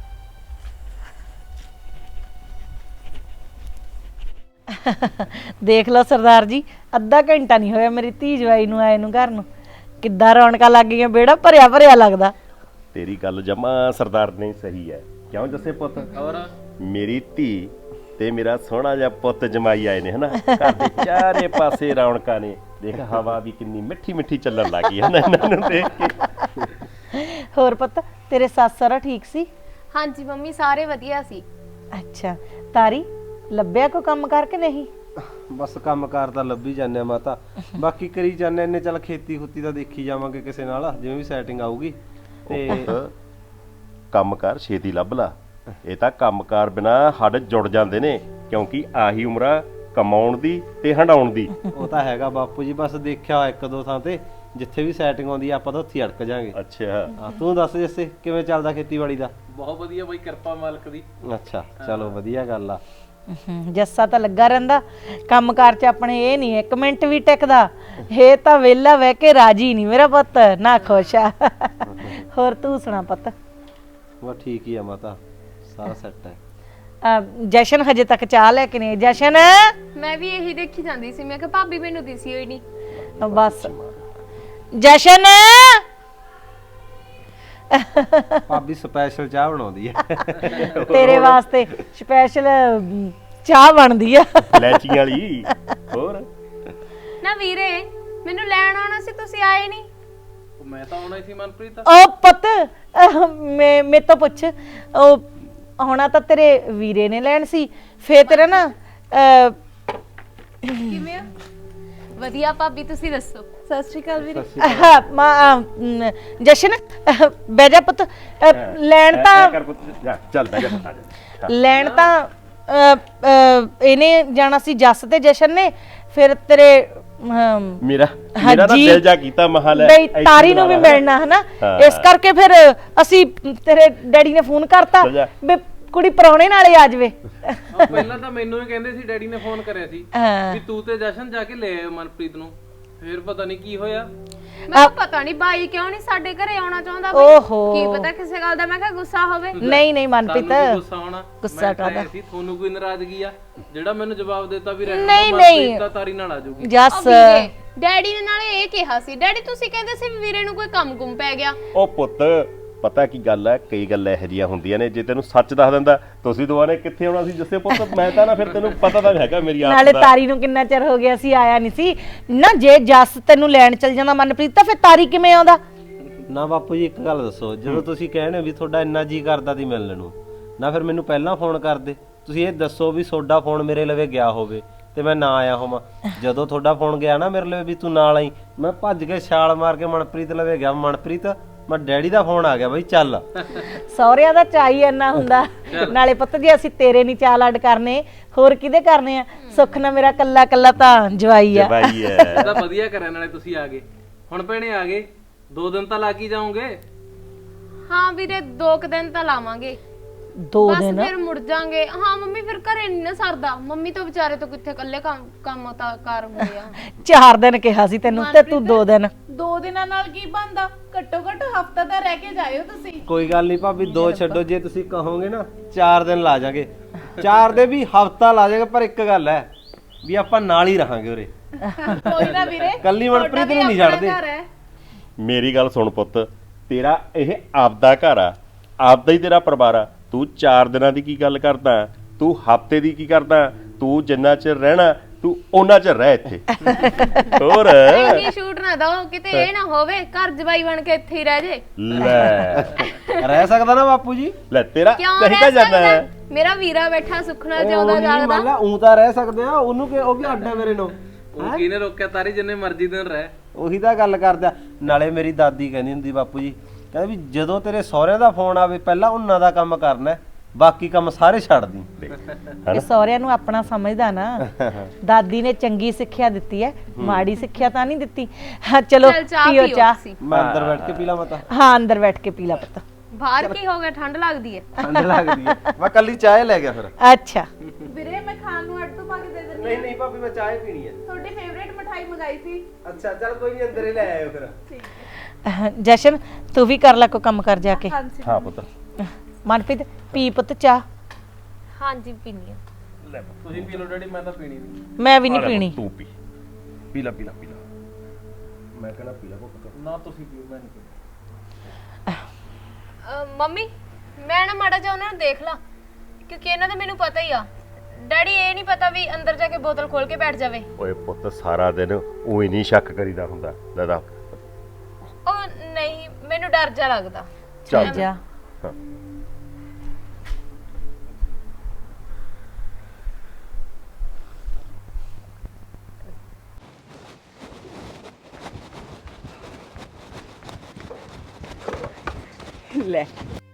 Speaker 1: ਦੇਖ ਲਓ ਸਰਦਾਰ ਜੀ, ਅੱਧਾ ਘੰਟਾ ਨਹੀਂ ਹੋਇਆ ਮੇਰੀ ਧੀ ਜਵਾਈ ਨੂੰ ਆਏ ਨੂੰ ਘਰ ਨੂੰ। ਕਿੱਦਾਂ ਰੌਣਕਾਂ ਲੱਗ ਗਈਆਂ, ਵਿਹੜਾ ਭਰਿਆ ਭਰਿਆ ਲੱਗਦਾ।
Speaker 6: ਤੇਰੀ ਗੱਲ ਜਮਾ ਸਰਦਾਰ ਨੇ ਸਹੀ ਹੈ। ਕਿਉਂ ਜੱਸੇ ਪੁੱਤ? ਮੇਰੀ ਧੀ ਤੇ ਮੇਰਾ ਸੋਹਣਾ ਜਿਹਾ ਪੁੱਤ ਜਮਾਈ ਆਏ ਨੇ ਹਨਾ। ਘਰ ਦੇ ਚਾਰੇ ਪਾਸੇ ਰੌਣਕਾਂ ਨੇ। ਦੇਖ ਹਵਾ ਵੀ ਕਿੰਨੀ ਮਿੱਠੀ ਮਿੱਠੀ ਚੱਲਣ ਲੱਗੀ ਹੈ ਨਾ ਇਹਨਾਂ ਨੂੰ ਦੇਖ ਕੇ।
Speaker 1: ਹੋਰ ਪੁੱਤ ਤੇਰੇ ਸੱਸ ਸਹੁਰਾ ਠੀਕ ਸੀ?
Speaker 8: ਹਾਂਜੀ ਮੰਮੀ ਸਾਰੇ ਵਧੀਆ ਸੀ।
Speaker 1: ਅੱਛਾ ਤਾਰੀ, ਲੱਭਿਆ ਕੋਈ ਕੰਮ ਕਰਕੇ ਨਹੀਂ?
Speaker 3: ਬਸ ਕੰਮਕਾਰ ਤਾਂ ਲੱਭੀ ਜਾਂਦੇ ਆ ਮਾਤਾ, ਬਾਕੀ ਕਰੀ ਜਾਂਦੇ ਨੇ। ਚੱਲ ਖੇਤੀ ਖੁੱਤੀ ਦਾ ਦੇਖੀ ਜਾਵਾਂਗੇ ਕਿਸੇ ਨਾਲ, ਜਿਵੇਂ ਵੀ ਸੈਟਿੰਗ ਆਊਗੀ। ਤੇ
Speaker 6: ਕੰਮਕਾਰ ਛੇਤੀ ਲੱਭ ਲਾ। ਇਹ ਤਾਂ ਕੰਮਕਾਰ ਬਿਨਾ ਹੱਡ ਜੁੜ ਜਾਂਦੇ ਨੇ, ਕਿਉਂਕਿ ਆਹੀ ਉਮਰਾ ਕਮਾਉਣ ਦੀ ਤੇ ਹੰਡਾਉਣ ਦੀ।
Speaker 3: ਉਹ ਤਾਂ ਹੈਗਾ ਬਾਪੂ ਜੀ, ਬਸ ਦੇਖਿਆ ਹੋਇਆ ਇੱਕ ਦੋ ਥਾਂ ਤੇ, ਜਿੱਥੇ ਵੀ ਸੈਟਿੰਗ ਆਉਂਦੀ ਆ ਆਪਾਂ ਤਾਂ ਉੱਥੇ ਅੜਕ ਜਾਾਂਗੇ।
Speaker 6: ਅੱਛਾ
Speaker 3: ਹਾਂ, ਤੂੰ ਦੱਸ ਜੱਸੇ ਕਿਵੇਂ ਚੱਲਦਾ ਖੇਤੀਬਾੜੀ ਦਾ?
Speaker 9: ਬਹੁਤ ਵਧੀਆ ਬਾਈ, ਕਿਰਪਾ ਮਾਲਕ ਦੀ।
Speaker 3: ਅੱਛਾ ਚਲੋ ਵਧੀਆ ਗੱਲ ਆ।
Speaker 1: ਹਮ, ਜੱਸਾ ਤਾਂ ਲੱਗਾ ਰਹਿੰਦਾ ਕੰਮਕਾਰ 'ਚ, ਆਪਣੇ ਇਹ ਨਹੀਂ ਇੱਕ ਮਿੰਟ ਵੀ ਟਿਕਦਾ। ਇਹ ਤਾਂ ਵਿਹਲਾ ਬਹਿ ਕੇ ਰਾਜੀ ਨਹੀਂ ਮੇਰਾ ਪੁੱਤ, ਨਾ ਖੁਸ਼ ਆ। ਹੋਰ ਤੂੰ ਸੁਣਾ ਪੁੱਤ?
Speaker 3: ਬਸ ਠੀਕ ਹੀ ਆ ਮਾਤਾ, ਸਾਰਾ ਸੈੱਟ ਹੈ।
Speaker 1: ਅਹ, ਜਸ਼ਨ ਹਜੇ ਤੱਕ ਚਾਹ ਲੈ ਕੇ ਨਹੀਂ ਆਈ। ਜਸ਼ਨ
Speaker 8: ਮੈਂ ਵੀ ਇਹੀ ਦੇਖੀ ਜਾਂਦੀ ਸੀ, ਮੈਂ ਕਿਹਾ ਭਾਬੀ ਮੈਨੂੰ ਦਿਸੀ ਹੋਈ ਨਹੀਂ।
Speaker 1: ਬਸ ਜਸ਼ਨ
Speaker 3: ਭਾਬੀ ਸਪੈਸ਼ਲ ਚਾਹ ਬਣਾਉਂਦੀ ਹੈ
Speaker 1: ਤੇਰੇ ਵਾਸਤੇ ਸਪੈਸ਼ਲ ਚਾਹ ਬਣਦੀ ਆ
Speaker 6: ਲੈਚੀਆਂ ਵਾਲੀ। ਹੋਰ
Speaker 8: ਨਾ ਵੀਰੇ, ਮੈਨੂੰ ਲੈਣ ਆਉਣਾ ਸੀ, ਤੁਸੀਂ ਆਏ ਨਹੀਂ।
Speaker 9: ਮੈਂ ਤਾਂ ਆਉਣਾ ਹੀ ਸੀ ਮਨਪ੍ਰੀਤ।
Speaker 1: ਉਹ ਪੁੱਤ ਅਹ, ਮੈਂ ਮੇਰੇ ਤੋਂ ਪੁੱਛ, ਉਹ ਆਉਣਾ ਤਾਂ ਤੇਰੇ ਵੀਰੇ ਨੇ ਲੈਣ ਸੀ, ਫੇਰ ਤੇਰਾ ਨਾ ਅਹ,
Speaker 8: ਕਿਵੇਂ ਹੋ? ਵਧੀਆ ਭਾਬੀ, ਤੁਸੀਂ ਦੱਸੋ। ਸਤਿ ਸ਼੍ਰੀ ਅਕਾਲ ਵੀਰੇ।
Speaker 1: ਆਹ, ਮਾਂ, ਅਮ, ਜਸ਼ਨ ਅਹ, ਬਹਿ ਜਾ ਪੁੱਤ। ਅਹ, ਲੈਣ ਤਾਂ
Speaker 6: ਕਰ ਪੁੱਤ, ਜਾ ਚੱਲ ਬਹਿ ਜਾ ਪੁੱਤ, ਆ ਜਾ।
Speaker 1: ਲੈਣ ਤਾਂ ਅਹ, ਅਹ, ਇਹਨੇ ਜਾਣਾ ਸੀ, ਜੱਸ ਤੇ ਜਸ਼ਨ ਨੇ। ਫਿਰ ਤੇਰੇ ਅਮ,
Speaker 6: ਮੇਰਾ ਮੇਰਾ ਤਾਂ ਦਿਲ ਜਾ ਕੀਤਾ ਮਹਾਲ
Speaker 1: ਬਈ ਤਾਰੀ ਨੂੰ ਵੀ ਮਿਲਣਾ ਹਨਾ, ਇਸ ਕਰਕੇ ਫਿਰ ਅਸੀਂ ਤੇਰੇ ਡੈਡੀ ਨੇ ਫੋਨ ਕਰਤਾ ਵੀ ਕੁੜੀ ਪਰੌਣੇ ਨਾਲੇ ਆ ਜਾਵੇ।
Speaker 9: ਉਹ ਪਹਿਲਾਂ ਤਾਂ ਮੈਨੂੰ ਹੀ ਕਹਿੰਦੇ ਸੀ, ਡੈਡੀ ਨੇ ਫੋਨ ਕਰਿਆ ਸੀ
Speaker 1: ਹਾਂ।
Speaker 9: ਵੀ ਤੂੰ ਤੇ ਜਸ਼ਨ ਜਾ ਕੇ ਲੈ ਆਇਓ ਮਨਪ੍ਰੀਤ ਨੂੰ। ਫਿਰ ਪਤਾ ਨਹੀਂ ਕੀ ਹੋਇਆ।
Speaker 8: ਮੈਂ ਪਤਾ ਨਹੀਂ ਬਾਈ ਕਿਉਂ ਨਹੀਂ ਸਾਡੇ ਘਰੇ ਆਉਣਾ ਚਾਹੁੰਦਾ ਬਈ।
Speaker 1: ਓਹੋ।
Speaker 8: ਕੀ ਪਤਾ ਕਿਸੇ ਗੱਲ ਦਾ ਮੈਂ ਕਿਹਾ ਗੁੱਸਾ ਹੋਵੇ।
Speaker 1: ਨਹੀਂ ਨਹੀਂ ਮਨਪ੍ਰੀਤ,
Speaker 9: ਤੁਹਾਨੂੰ ਵੀ ਗੁੱਸਾ ਆਉਣਾ।
Speaker 1: ਗੁੱਸਾ
Speaker 9: ਮੈਂ ਕਿਹਾ
Speaker 1: ਕਾਹਦਾ?
Speaker 9: ਸੀ ਤੁਹਾਨੂੰ ਕੋਈ ਨਾਰਾਜ਼ਗੀ ਆ ਜਿਹੜਾ ਮੈਨੂੰ ਜਵਾਬ ਦਿੱਤਾ ਵੀ ਰਹਿਣਾ
Speaker 1: ਨਹੀਂ,
Speaker 9: ਮਨਪ੍ਰੀਤ
Speaker 1: ਨਹੀਂ।
Speaker 9: ਤਾਂ ਤਾਰੀ ਨਾਲ ਆ ਜਾਊਗੀ।
Speaker 1: ਜੱਸ
Speaker 8: ਉਹ ਵੀਰੇ ਡੈਡੀ ਨੇ ਨਾਲੇ ਇਹ ਕਿਹਾ ਸੀ, ਡੈਡੀ ਤੁਸੀਂ ਕਹਿੰਦੇ ਸੀ ਵੀ ਵੀਰੇ ਨੂੰ ਕੋਈ ਕੰਮ ਗੁੰਮ ਪੈ ਗਿਆ।
Speaker 6: ਉਹ ਪੁੱਤ ਪਤਾ ਕੀ ਗੱਲ ਹੈ, ਕਈ ਗੱਲਾਂ ਇਹੋ ਜਿਹੀਆਂ ਹੁੰਦੀਆਂ ਨੇ, ਜੇ ਤੈਨੂੰ ਸੱਚ ਦੱਸ ਦਿੰਦਾ ਤੁਸੀਂ ਦੁਬਾਰੇ ਕਿੱਥੇ ਆਉਣਾ ਸੀ ਜੱਸੇ ਪੁੱਤ, ਮੈਂ ਤਾਂ ਨਾ ਫਿਰ ਤੈਨੂੰ ਪਤਾ ਤਾਂ ਹੈਗਾ ਮੇਰੀ ਆਪ
Speaker 1: ਨਾਲੇ
Speaker 6: ਦਾ।
Speaker 1: ਤਾਰੀ ਨੂੰ ਕਿੰਨਾ ਚਿਰ ਹੋ ਗਿਆ ਸੀ ਆਇਆ ਨਹੀਂ ਸੀ ਨਾ। ਜੇ ਜੱਸ ਤੈਨੂੰ ਲੈਣ ਚਲ ਜਾਂਦਾ ਮਨਪ੍ਰੀਤ, ਤਾਂ ਫਿਰ ਤਾਰੀ ਕਿਵੇਂ ਆਉਂਦਾ?
Speaker 3: ਨਾ ਬਾਪੂ ਜੀ ਇੱਕ ਗੱਲ ਦੱਸੋ, ਜਦੋਂ ਤੁਸੀਂ ਕਹਿਣੇ ਵੀ ਤੁਹਾਡਾ ਇੰਨਾ ਜੀ ਕਰਦਾ ਸੀ ਮਿਲਣ ਨੂੰ, ਨਾ ਫਿਰ ਮੈਨੂੰ ਪਹਿਲਾਂ ਫੋਨ ਕਰਦੇ। ਤੁਸੀਂ ਇਹ ਦੱਸੋ ਵੀ ਤੁਹਾਡਾ ਫੋਨ ਮੇਰੇ ਲਵੇ ਗਿਆ ਹੋਵੇ ਤੇ ਮੈਂ ਨਾ ਆਇਆ ਹੋਵਾਂ। ਜਦੋਂ ਤੁਹਾਡਾ ਫੋਨ ਗਿਆ ਨਾ ਮੇਰੇ ਲਵੇ ਵੀ ਤੂੰ ਨਾਲ ਆਈ, ਮੈਂ ਭੱਜ ਕੇ ਛਾਲ ਮਾਰ ਕੇ ਮਨਪ੍ਰੀਤ ਲਵੇ ਗਿਆ। ਮਨਪ੍ਰੀਤ ਮੈਂ ਡੈਡੀ ਦਾ ਫੋਨ ਆ ਗਿਆ ਬਈ ਚੱਲ।
Speaker 1: ਸਹੁਰਿਆਂ ਦਾ ਚਾਈ ਇੰਨਾ ਹੁੰਦਾ। ਨਾਲੇ ਪੁੱਤ ਜੀ ਅਸੀਂ ਤੇਰੇ ਨਹੀਂ ਚਾਲ ਅੱਡ ਕਰਨੇ, ਹੋਰ ਕਿਹਦੇ ਕਰਨੇ ਆ? ਸੁੱਖ ਨਾ ਮੇਰਾ ਕੱਲਾ ਕੱਲਾ ਤਾਂ ਜਵਾਈ ਆ।
Speaker 6: ਜਵਾਈ ਹੈ।
Speaker 9: ਇਹ ਤਾਂ ਵਧੀਆ ਕਰਿਆ, ਨਾਲੇ ਤੁਸੀਂ ਆ ਗਏ। ਹੁਣ ਭੈਣੇ ਆ ਗਏ, ਦੋ ਦਿਨ ਤਾਂ ਲੱਗ ਹੀ ਜਾਓਗੇ।
Speaker 8: ਹਾਂ ਵੀਰੇ ਦੋ ਕੁ ਦਿਨ ਤਾਂ ਲਾਵਾਂਗੇ,
Speaker 1: ਦੋ
Speaker 8: ਬਸ
Speaker 1: ਦਿਨ
Speaker 8: ਫਿਰ ਮੁੜ ਜਾਾਂਗੇ। ਹਾਂ ਮੰਮੀ ਫਿਰ ਘਰੇ ਨਹੀਂ ਨਾ ਸਰਦਾ, ਮੰਮੀ ਤੋਂ ਵਿਚਾਰੇ ਤੋਂ ਕਿੱਥੇ ਇਕੱਲੇ ਕੰਮ ਕੰਮ ਤਾਂ ਕਰ ਹੁੰਦੇ ਆ।
Speaker 1: ਚਾਰ ਦਿਨ ਕਿਹਾ ਸੀ ਤੈਨੂੰ ਤੇ ਤੂੰ ਦੋ ਦਿਨ।
Speaker 2: ਦੋ ਦਿਨਾਂ ਨਾਲ ਕੀ ਬਣਦਾ? ਘੱਟੋ ਘੱਟ ਹਫਤਾ ਤਾਂ ਰਹਿ ਕੇ ਜਾਇਓ ਤੁਸੀਂ।
Speaker 3: ਕੋਈ ਗੱਲ ਨਹੀਂ ਭਾਬੀ, ਦੋ ਛੱਡੋ, ਜੇ ਤੁਸੀਂ ਕਹੋਗੇ ਨਾ ਚਾਰ ਦਿਨ ਲਾ ਜਾਗੇ, ਚਾਰ ਦੇ ਵੀ ਹਫਤਾ ਲਾ ਜਾਗੇ। ਪਰ ਇੱਕ ਗੱਲ ਹੈ ਵੀ ਆਪਾਂ ਨਾਲ ਹੀ ਰਹਾਂਗੇ ਉਰੇ।
Speaker 2: ਕੋਈ ਨਾ ਵੀਰੇ,
Speaker 3: ਕੱਲੀ ਮਨਪ੍ਰੀਤ ਨੂੰ ਨਹੀਂ ਛੱਡਦੇ।
Speaker 6: ਮੇਰੀ ਗੱਲ ਸੁਣ ਪੁੱਤ, ਤੇਰਾ ਇਹ ਆਪਦਾ ਘਰ ਆ, ਆਪਦਾ ਹੀ ਤੇਰਾ ਪਰਿਵਾਰ ਆ। ਤੂੰ ਚਾਰ ਦਿਨਾਂ ਦੀ ਕੀ ਗੱਲ ਕਰਦਾ, ਤੂੰ ਹਫਤੇ ਦੀ ਕੀ ਕਰਦਾ? ਤੂੰ ਜਿੰਨਾ ਚਿਰ ਰਹਿਣਾ ਤੂੰ ਉਹਨਾਂ ਚਿਰ ਰਹਿ ਇੱਥੇ। ਹੋਰ
Speaker 8: ਇੰਨੀ ਸ਼ੂਟ ਨਾ ਦੋ ਕਿਤੇ ਇਹ ਨਾ ਹੋਵੇ ਘਰ ਜਵਾਈ ਬਣ ਕੇ ਇੱਥੇ ਹੀ ਰਹਿ ਜੇ।
Speaker 6: ਲੈ
Speaker 3: ਰਹਿ ਸਕਦਾ ਨਾ ਬਾਪੂ ਜੀ?
Speaker 6: ਲੈ ਤੇਰਾ
Speaker 8: ਕਿਉਂ
Speaker 6: ਕਹੀ ਤਾਂ
Speaker 8: ਰਹਿ
Speaker 6: ਜਾਂਦਾ
Speaker 8: ਸਕਦਾ?
Speaker 6: ਹੈ।
Speaker 8: ਮੇਰਾ ਵੀਰਾ ਬੈਠਾ ਸੁਖਣਾ ਜਿਉਂਦਾ
Speaker 3: ਮੰਨ
Speaker 8: ਜਾਗਦਾ।
Speaker 3: ਲਾ ਊਂ ਤਾਂ ਰਹਿ ਸਕਦੇ ਆ, ਉਹਨੂੰ ਕਿ ਉਹ ਵੀ ਅੱਡ ਹੈ ਮੇਰੇ ਨੂੰ।
Speaker 9: ਉਹ ਕਿਹਨੇ ਰੋਕਿਆ? ਤਾਰੀ ਜਿੰਨੇ ਮਰਜ਼ੀ ਦਿਨ ਰਹਿ।
Speaker 3: ਉਹੀ ਤਾਂ ਗੱਲ ਕਰਦਾ। ਨਾਲੇ ਮੇਰੀ ਦਾਦੀ ਕਹਿੰਦੀ ਹੁੰਦੀ ਬਾਪੂ ਜੀ, ਕਹਿੰਦੇ ਵੀ ਜਦੋਂ ਤੇਰੇ ਸਹੁਰਿਆਂ ਦਾ ਫੋਨ ਆਵੇ ਪਹਿਲਾਂ ਉਹਨਾਂ ਦਾ ਕੰਮ ਕਰਨਾ, ਬਾਕੀ ਕੰਮ ਸਾਰੇ ਛੱਡ ਦੀ।
Speaker 1: ਇਹ ਸਹੁਰਿਆਂ ਨੂੰ ਆਪਣਾ ਸਮਝਦਾ ਨਾ। ਦਾਦੀ ਨੇ ਚੰਗੀ ਸਿੱਖਿਆ ਦਿੱਤੀ ਹੈ, ਮਾੜੀ ਸਿੱਖਿਆ ਤਾਂ ਨਹੀਂ ਦਿੱਤੀ। ਹਾਂ ਚਲੋ
Speaker 8: ਚੱਲ ਚਾਹ
Speaker 1: ਪੀਓ
Speaker 8: ਪੀਓ
Speaker 1: ਚਾਹ।
Speaker 8: ਤੁਸੀਂ।
Speaker 3: ਮੈਂ ਅੰਦਰ ਬੈਠ ਕੇ ਪੀ ਲਾ ਮਤਾ।
Speaker 1: ਹਾਂ ਅੰਦਰ ਬੈਠ ਕੇ ਪੀ ਲਾ ਪੁੱਤ।
Speaker 8: ਬਾਹਰ ਕੀ ਹੋ ਗਿਆ? ਠੰਡ ਲੱਗਦੀ ਹੈ।
Speaker 3: ਠੰਡ ਲੱਗਦੀ ਹੈ। ਮੈਂ ਕੱਲੀ ਚਾਹ ਲੈ ਗਿਆ ਫਿਰ।
Speaker 1: ਅੱਛਾ
Speaker 2: ਵੀਰੇ ਮੈਂ ਖਾਣ ਨੂੰ ਅੱਡ ਤੋਂ ਪਾ ਕੇ ਦੇ ਦਿੰਦੀ।
Speaker 3: ਨਹੀਂ ਨਹੀਂ ਭਾਬੀ, ਮੈਂ ਚਾਹ ਪੀਣੀ ਹੈ।
Speaker 2: ਤੁਹਾਡੀ ਫੇਵਰੇਟ ਮਠਾਈ ਮੰਗਾਈ ਸੀ।
Speaker 3: ਅੱਛਾ ਚੱਲ ਕੋਈ ਨਹੀਂ, ਅੰਦਰ ਹੀ ਲੈ ਆਇਓ ਫਿਰ।
Speaker 1: ਜਸ਼ਨ ਤੂੰ ਵੀ ਕਰ ਲੈ ਕੋਈ ਕੰਮ ਕਰ ਜਾ ਕੇ।
Speaker 6: ਹਾਂ ਪੁੱਤ
Speaker 1: ਮਨਪ੍ਰੀਤ ਪੀ ਪੁੱਤ ਚਾਹ।
Speaker 8: ਹਾਂਜੀ ਪੀਣੀ ਆ।
Speaker 6: ਲੈ
Speaker 9: ਤੁਸੀਂ ਪੀ ਲਓ ਡੈਡੀ, ਮੈਂ ਤਾਂ ਪੀਣੀ ਨਹੀਂ।
Speaker 1: ਮੈਂ ਵੀ ਨਹੀਂ ਪੀਣੀ।
Speaker 6: ਤੂੰ ਪੀ ਪੀ ਲੈ ਪੀ ਲੈ ਪੀ ਲੈ। ਮੈਂ ਕਹਿੰਦਾ ਪੀ ਲੈ ਪੁੱਤ।
Speaker 9: ਨਾ ਤੁਸੀਂ ਪੀਓ, ਮੈਂ ਨਹੀਂ ਪੀਣੀ।
Speaker 8: ਅਹ ਮੰਮੀ ਮੈਂ ਨਾ ਮਾੜਾ ਜਿਹਾ ਉਹਨਾਂ ਨੂੰ ਦੇਖ ਲਾਂ, ਕਿਉਂਕਿ ਇਹਨਾਂ ਦਾ ਮੈਨੂੰ ਪਤਾ ਹੀ ਆ। ਡੈਡੀ ਇਹ ਨਹੀਂ ਪਤਾ ਵੀ ਅੰਦਰ ਜਾ ਕੇ ਬੋਤਲ ਖੋਲ ਕੇ ਬੈਠ ਜਾਵੇ।
Speaker 6: ਓਏ ਪੁੱਤ ਸਾਰਾ ਦਿਨ ਉਹੀ ਨਹੀਂ ਸ਼ੱਕ ਕਰੀਦਾ ਹੁੰਦਾ। ਲੈ ਦਾ
Speaker 8: ਉਹ ਨਹੀਂ, ਮੈਨੂੰ ਡਰ ਜਾ ਲੱਗਦਾ।
Speaker 6: ਚੱਲ
Speaker 1: ਜਾ
Speaker 6: ਹਾਂ।
Speaker 5: ਲੈ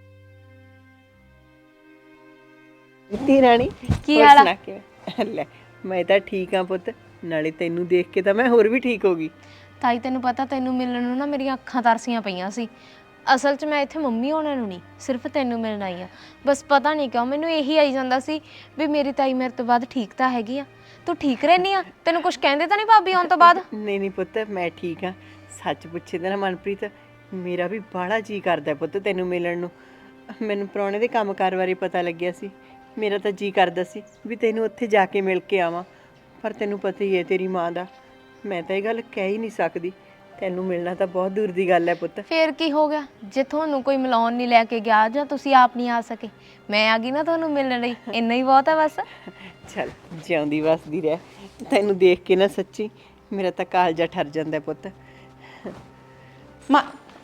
Speaker 5: ਤੀ ਰਾਣੀ,
Speaker 8: ਕੀ
Speaker 5: ਹੋਰ
Speaker 8: ਹਾਲ ਆ?
Speaker 5: ਸੁਣਾ ਕਿਵੇਂ? ਲੈ ਮੈਂ ਤਾਂ ਠੀਕ ਆ ਪੁੱਤ, ਨਾਲੇ ਤੈਨੂੰ ਦੇਖ ਕੇ ਤਾਂ ਮੈਂ ਹੋਰ ਵੀ ਠੀਕ ਹੋ ਗਈ।
Speaker 8: ਤਾਈ ਤੈਨੂੰ ਪਤਾ, ਤੈਨੂੰ ਮਿਲਣ ਨੂੰ ਨਾ ਮੇਰੀਆਂ ਅੱਖਾਂ ਤਰਸੀਆਂ ਪਈਆਂ ਸੀ। ਅਸਲ 'ਚ ਮੈਂ ਇੱਥੇ ਮੰਮੀ ਹੋਣਾ ਨੂੰ ਨਹੀਂ, ਸਿਰਫ ਤੈਨੂੰ ਮਿਲਣ ਆਈ ਆ। ਬਸ ਪਤਾ ਨਹੀਂ ਕਿਉਂ ਮੈਨੂੰ ਇਹੀ ਆਈ ਜਾਂਦਾ ਸੀ ਵੀ ਮੇਰੀ ਤਾਈ ਮੇਰੇ ਤੋਂ ਬਾਅਦ ਠੀਕ ਤਾਂ ਹੈਗੀ ਆ। ਤੂੰ ਠੀਕ ਰਹਿਨੀ ਆ? ਤੈਨੂੰ ਕੁਝ ਕਹਿੰਦੇ ਤਾਂ ਨਹੀਂ ਭਾਬੀ ਆਉਣ ਤੋਂ ਬਾਅਦ?
Speaker 5: ਨਹੀਂ ਨਹੀਂ ਪੁੱਤ, ਮੈਂ ਠੀਕ ਆ। ਸੱਚ ਪੁੱਛੇ ਤਾਂ ਨਾ ਮਨਪ੍ਰੀਤ, ਮੇਰਾ ਵੀ ਬਾਹਲਾ ਜੀ ਕਰਦਾ ਪੁੱਤ ਤੈਨੂੰ ਮਿਲਣ ਨੂੰ। ਮੈਨੂੰ ਪ੍ਰਾਹੁਣੇ ਦੇ ਕੰਮਕਾਰ ਬਾਰੇ ਪਤਾ ਲੱਗਿਆ ਸੀ, ਮੇਰਾ ਤਾਂ ਜੀ ਕਰਦਾ ਸੀ ਵੀ ਤੈਨੂੰ ਉੱਥੇ ਜਾ ਕੇ ਮਿਲ ਕੇ ਆਵਾਂ। ਪਰ ਤੈਨੂੰ ਪਤਾ ਹੀ ਹੈ ਤੇਰੀ ਮਾਂ ਦਾ, ਮੈਂ ਤਾਂ ਇਹ ਗੱਲ ਕਹਿ ਹੀ ਨਹੀਂ ਸਕਦੀ। ਤੈਨੂੰ ਮਿਲਣਾ ਤਾਂ ਬਹੁਤ ਦੂਰ ਦੀ ਗੱਲ ਹੈ ਪੁੱਤ।
Speaker 8: ਫੇਰ ਕੀ ਹੋ ਗਿਆ ਜੇ ਤੁਹਾਨੂੰ ਕੋਈ ਮਿਲਾਉਣ ਨਹੀਂ ਲੈ ਕੇ ਗਿਆ ਜਾਂ ਤੁਸੀਂ ਆਪ ਨਹੀਂ ਆ ਸਕੇ? ਮੈਂ ਆ ਗਈ ਨਾ ਤੁਹਾਨੂੰ ਮਿਲਣ ਲਈ, ਇੰਨਾ ਹੀ ਬਹੁਤ ਹੈ ਬਸ।
Speaker 5: ਚੱਲ ਜਿਉਂਦੀ ਵਸਦੀ ਰਹਿ। ਤੈਨੂੰ ਦੇਖ ਕੇ ਨਾ ਸੱਚੀ ਮੇਰਾ ਤਾਂ ਕਾਲਜਾ ਠਰ ਜਾਂਦਾ ਪੁੱਤ।
Speaker 2: ਮਾਂ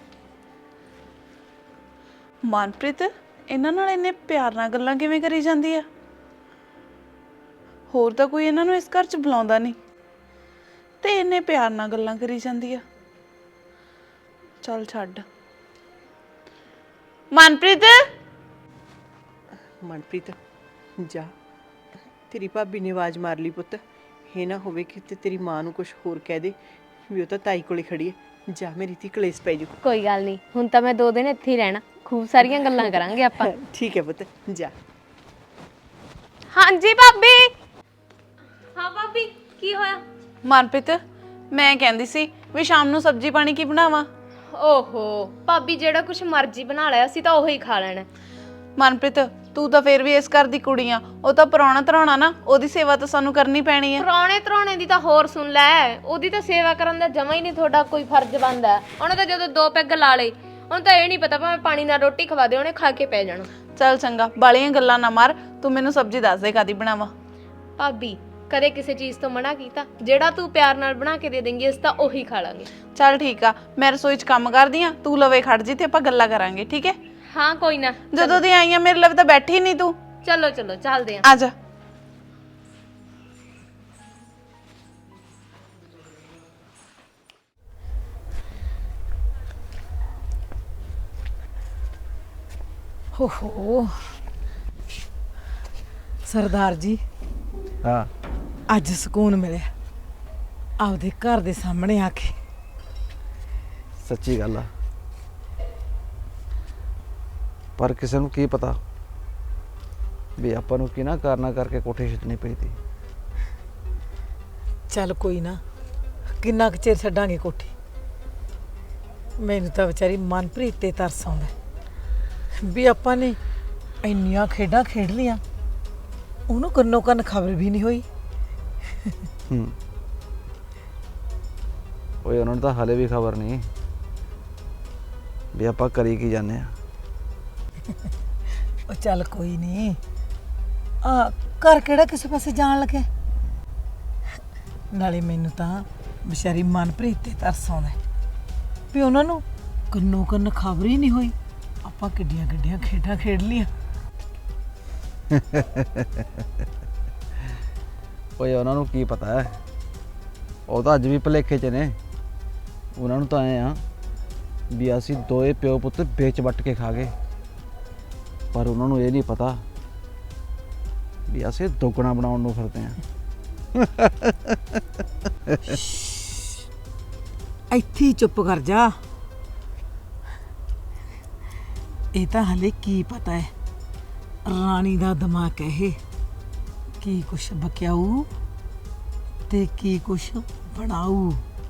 Speaker 2: ਮਨਪ੍ਰੀਤ ਇਹਨਾਂ ਨਾਲ ਇੰਨੇ ਪਿਆਰ ਨਾਲ ਗੱਲਾਂ ਕਿਵੇਂ ਕਰੀ ਜਾਂਦੀ ਆ? ਹੋਰ ਤਾਂ ਕੋਈ ਇਹਨਾਂ ਨੂੰ ਇਸ ਘਰ 'ਚ ਬੁਲਾਉਂਦਾ ਨਹੀਂ ਤੇ ਇੰਨੇ ਪਿਆਰ ਨਾਲ ਗੱਲਾਂ ਕਰੀ ਜਾਂਦੀ ਆ। ਚੱਲ ਛੱਡ। ਮਨਪ੍ਰੀਤ
Speaker 5: ਮਨਪ੍ਰੀਤ ਜਾ, ਤੇਰੀ ਭਾਬੀ ਨੇ ਆਵਾਜ਼ ਮਾਰ ਲਈ ਪੁੱਤ। ਇਹ ਨਾ ਹੋਵੇ ਕਿ ਤੇ ਤੇਰੀ ਮਾਂ ਨੂੰ ਕੁਝ ਹੋਰ ਕਹਿ ਦੇ ਵੀ ਉਹ ਤਾਂ ਤਾਈ ਕੋਲੇ ਖੜੀ ਹੈ। ਜਾ ਮੇਰੀ ਧੀ, ਕਲੇਸ਼ ਪੈ ਜੂ।
Speaker 8: ਕੋਈ ਗੱਲ ਨਹੀਂ, ਹੁਣ ਤਾਂ ਮੈਂ ਦੋ ਦਿਨ ਇੱਥੇ ਹੀ ਰਹਿਣਾ, ਖੂਬ ਸਾਰੀਆਂ ਗੱਲਾਂ ਕਰਾਂਗੇ ਆਪਾਂ।
Speaker 5: ਠੀਕ ਹੈ ਪੁੱਤ, ਜਾ।
Speaker 8: ਹਾਂਜੀ ਭਾਬੀ। ਹਾਂ ਭਾਬੀ ਕੀ ਹੋਇਆ?
Speaker 2: ਮਨਪ੍ਰੀਤ, ਮੈਂ ਕਹਿੰਦੀ ਸੀ ਵੀ ਸ਼ਾਮ ਨੂੰ ਸਬਜ਼ੀ ਪਾਣੀ ਕੀ ਬਣਾਵਾਂ?
Speaker 8: ਓਹੋ ਭਾਬੀ, ਜਿਹੜਾ ਕੁਝ ਮਰਜ਼ੀ ਬਣਾ ਲਿਆ ਅਸੀਂ ਤਾਂ ਉਹੀ ਖਾ ਲੈਣਾ।
Speaker 2: ਮਨਪ੍ਰੀਤ, ਤੂੰ ਤਾਂ ਫੇਰ ਵੀ ਇਸ ਘਰ ਦੀ ਕੁੜੀ ਆ, ਉਹ ਤਾਂ ਪ੍ਰਾਹੁਣਾ ਧਰਾਉਣਾ ਨਾ, ਉਹਦੀ ਸੇਵਾ ਤਾਂ ਸਾਨੂੰ ਕਰਨੀ ਪੈਣੀ ਹੈ।
Speaker 8: ਪ੍ਰਾਹੁਣੇ ਧਰਾਉਣੇ ਦੀ ਤਾਂ ਹੋਰ ਸੁਣ ਲੈ, ਉਹਦੀ ਤਾਂ ਸੇਵਾ ਕਰਨ ਦਾ ਜਮਾ ਹੀ ਨਹੀਂ ਤੁਹਾਡਾ ਕੋਈ ਫਰਜ਼ ਬਣਦਾ। ਉਹਨੇ ਤਾਂ ਜਦੋਂ ਦੋ ਪੈਗ ਲਾ ਲਏ, ਉਹਨੂੰ ਤਾਂ ਇਹ ਨਹੀਂ ਪਤਾ ਭਾਵੇਂ ਪਾਣੀ ਨਾਲ ਰੋਟੀ ਖਵਾ ਦੇ, ਉਹਨੇ ਖਾ ਕੇ ਪੈ ਜਾਣਾ।
Speaker 2: ਚੱਲ ਚੰਗਾ, ਬਾਲੀਆਂ ਗੱਲਾਂ ਨਾ ਮਾਰ, ਤੂੰ ਮੈਨੂੰ ਸਬਜ਼ੀ ਦੱਸ ਦੇ ਕਾਦੀ ਬਣਾਵਾਂ।
Speaker 8: ਭਾਬੀ ਕਦੇ ਕਿਸੇ ਚੀਜ਼ ਤੋਂ ਮਨਾ ਕੀਤਾ? ਜਿਹੜਾ ਤੂੰ ਪਿਆਰ ਨਾਲ ਬਣਾ ਕੇ ਦੇ ਦੇਂਗੀ ਅਸੀਂ ਤਾਂ ਉਹੀ ਖਾ ਲਾਂਗੇ।
Speaker 2: ਚੱਲ ਠੀਕ ਆ, ਮੈਂ ਰਸੋਈ 'ਚ ਕੰਮ ਕਰਦੀ ਆ, ਤੂੰ ਲਵੇ ਖੜ ਜੀ ਤੇ ਆਪਾਂ ਗੱਲਾਂ ਕਰਾਂਗੇ, ਠੀਕ ਹੈ?
Speaker 8: ਹਾਂ ਕੋਈ ਨਾ।
Speaker 2: ਜਦੋਂ ਦੀ ਆਈ ਆ ਮੇਰੇ ਲਵੇ ਤਾਂ ਬੈਠੀ ਨਹੀਂ ਤੂੰ।
Speaker 8: ਚਲੋ ਚਲੋ ਚੱਲਦੇ ਆਂ।
Speaker 2: ਆ ਜਾ।
Speaker 4: ਹੋ ਹੋ ਸਰਦਾਰ ਜੀ,
Speaker 7: ਹਾਂ
Speaker 4: ਅੱਜ ਸਕੂਨ ਮਿਲਿਆ ਆਪਦੇ ਘਰ ਦੇ ਸਾਹਮਣੇ ਆ ਕੇ।
Speaker 7: ਸੱਚੀ ਗੱਲ ਆ, ਪਰ ਕਿਸੇ ਨੂੰ ਕੀ ਪਤਾ ਵੀ ਆਪਾਂ ਨੂੰ ਕਿਹਨਾਂ ਕਾਰਨਾਂ ਕਰਕੇ ਕੋਠੇ ਛੱਡਣੀ ਪਈ ਤੀ।
Speaker 4: ਚੱਲ ਕੋਈ ਨਾ, ਕਿੰਨਾ ਕੁ ਚਿਰ ਛੱਡਾਂਗੇ ਕੋਠੀ। ਮੈਨੂੰ ਤਾਂ ਵਿਚਾਰੀ ਮਨਪ੍ਰੀਤ ਤੇ ਤਰਸ ਆਉਂਦਾ ਵੀ ਆਪਾਂ ਨੇ ਇੰਨੀਆਂ ਖੇਡਾਂ ਖੇਡ ਲੀਆਂ, ਉਹਨੂੰ ਕੰਨੋ ਕੰਨ ਖਬਰ ਵੀ ਨਹੀਂ ਹੋਈ।
Speaker 7: ਹੂੰ ਓਏ, ਉਹਨਾਂ ਨੂੰ ਤਾਂ ਹਾਲੇ ਵੀ ਖਬਰ ਨਹੀਂ ਵੀ ਆਪਾਂ ਕਰੀ ਕੀ ਜਾਂਦੇ ਆ।
Speaker 4: ਉਹ ਚੱਲ ਕੋਈ ਨਹੀਂ, ਆ ਘਰ ਕਿਹੜਾ ਕਿਸੇ ਪਾਸੇ ਜਾਣ ਲੱਗੇ। ਨਾਲੇ ਮੈਨੂੰ ਤਾਂ ਵਿਚਾਰੀ ਮਨਪ੍ਰੀਤ ਤੇ ਤਰਸ ਆਉਂਦਾ ਵੀ ਉਹਨਾਂ ਨੂੰ ਕੰਨੋ ਕੰਨ ਖਬਰ ਹੀ ਨਹੀਂ ਹੋਈ, ਆਪਾਂ ਕਿੱਡੀਆਂ ਕਿੱਡੀਆਂ ਖੇਡਾਂ ਖੇਡ ਲੀਆਂ।
Speaker 7: ਓਏ ਉਹਨਾਂ ਨੂੰ ਕੀ ਪਤਾ ਹੈ, ਉਹ ਤਾਂ ਅੱਜ ਵੀ ਭੁਲੇਖੇ 'ਚ ਨੇ। ਉਹਨਾਂ ਨੂੰ ਤਾਂ ਐ ਆ ਵੀ ਅਸੀਂ ਦੋਏ ਪਿਓ ਪੁੱਤ ਵੇਚ ਵੱਟ ਕੇ ਖਾ ਗਏ, ਪਰ ਉਹਨਾਂ ਨੂੰ ਇਹ ਨਹੀਂ ਪਤਾ ਵੀ ਅਸੀਂ ਦੁੱਗਣਾ ਬਣਾਉਣ ਨੂੰ ਫਿਰਦੇ ਆਂ।
Speaker 4: ਇੱਥੇ ਹੀ ਚੁੱਪ ਕਰ ਜਾ। ਇਹ ਤਾਂ ਹਲੇ ਕੀ ਪਤਾ ਹੈ, ਰਾਣੀ ਦਾ ਦਿਮਾਗ ਹੈ ਇਹ, ਕੀ ਕੁਛ ਬਕਿਆਊ ਤੇ ਕੀ ਕੁਛ ਬਣਾਊ।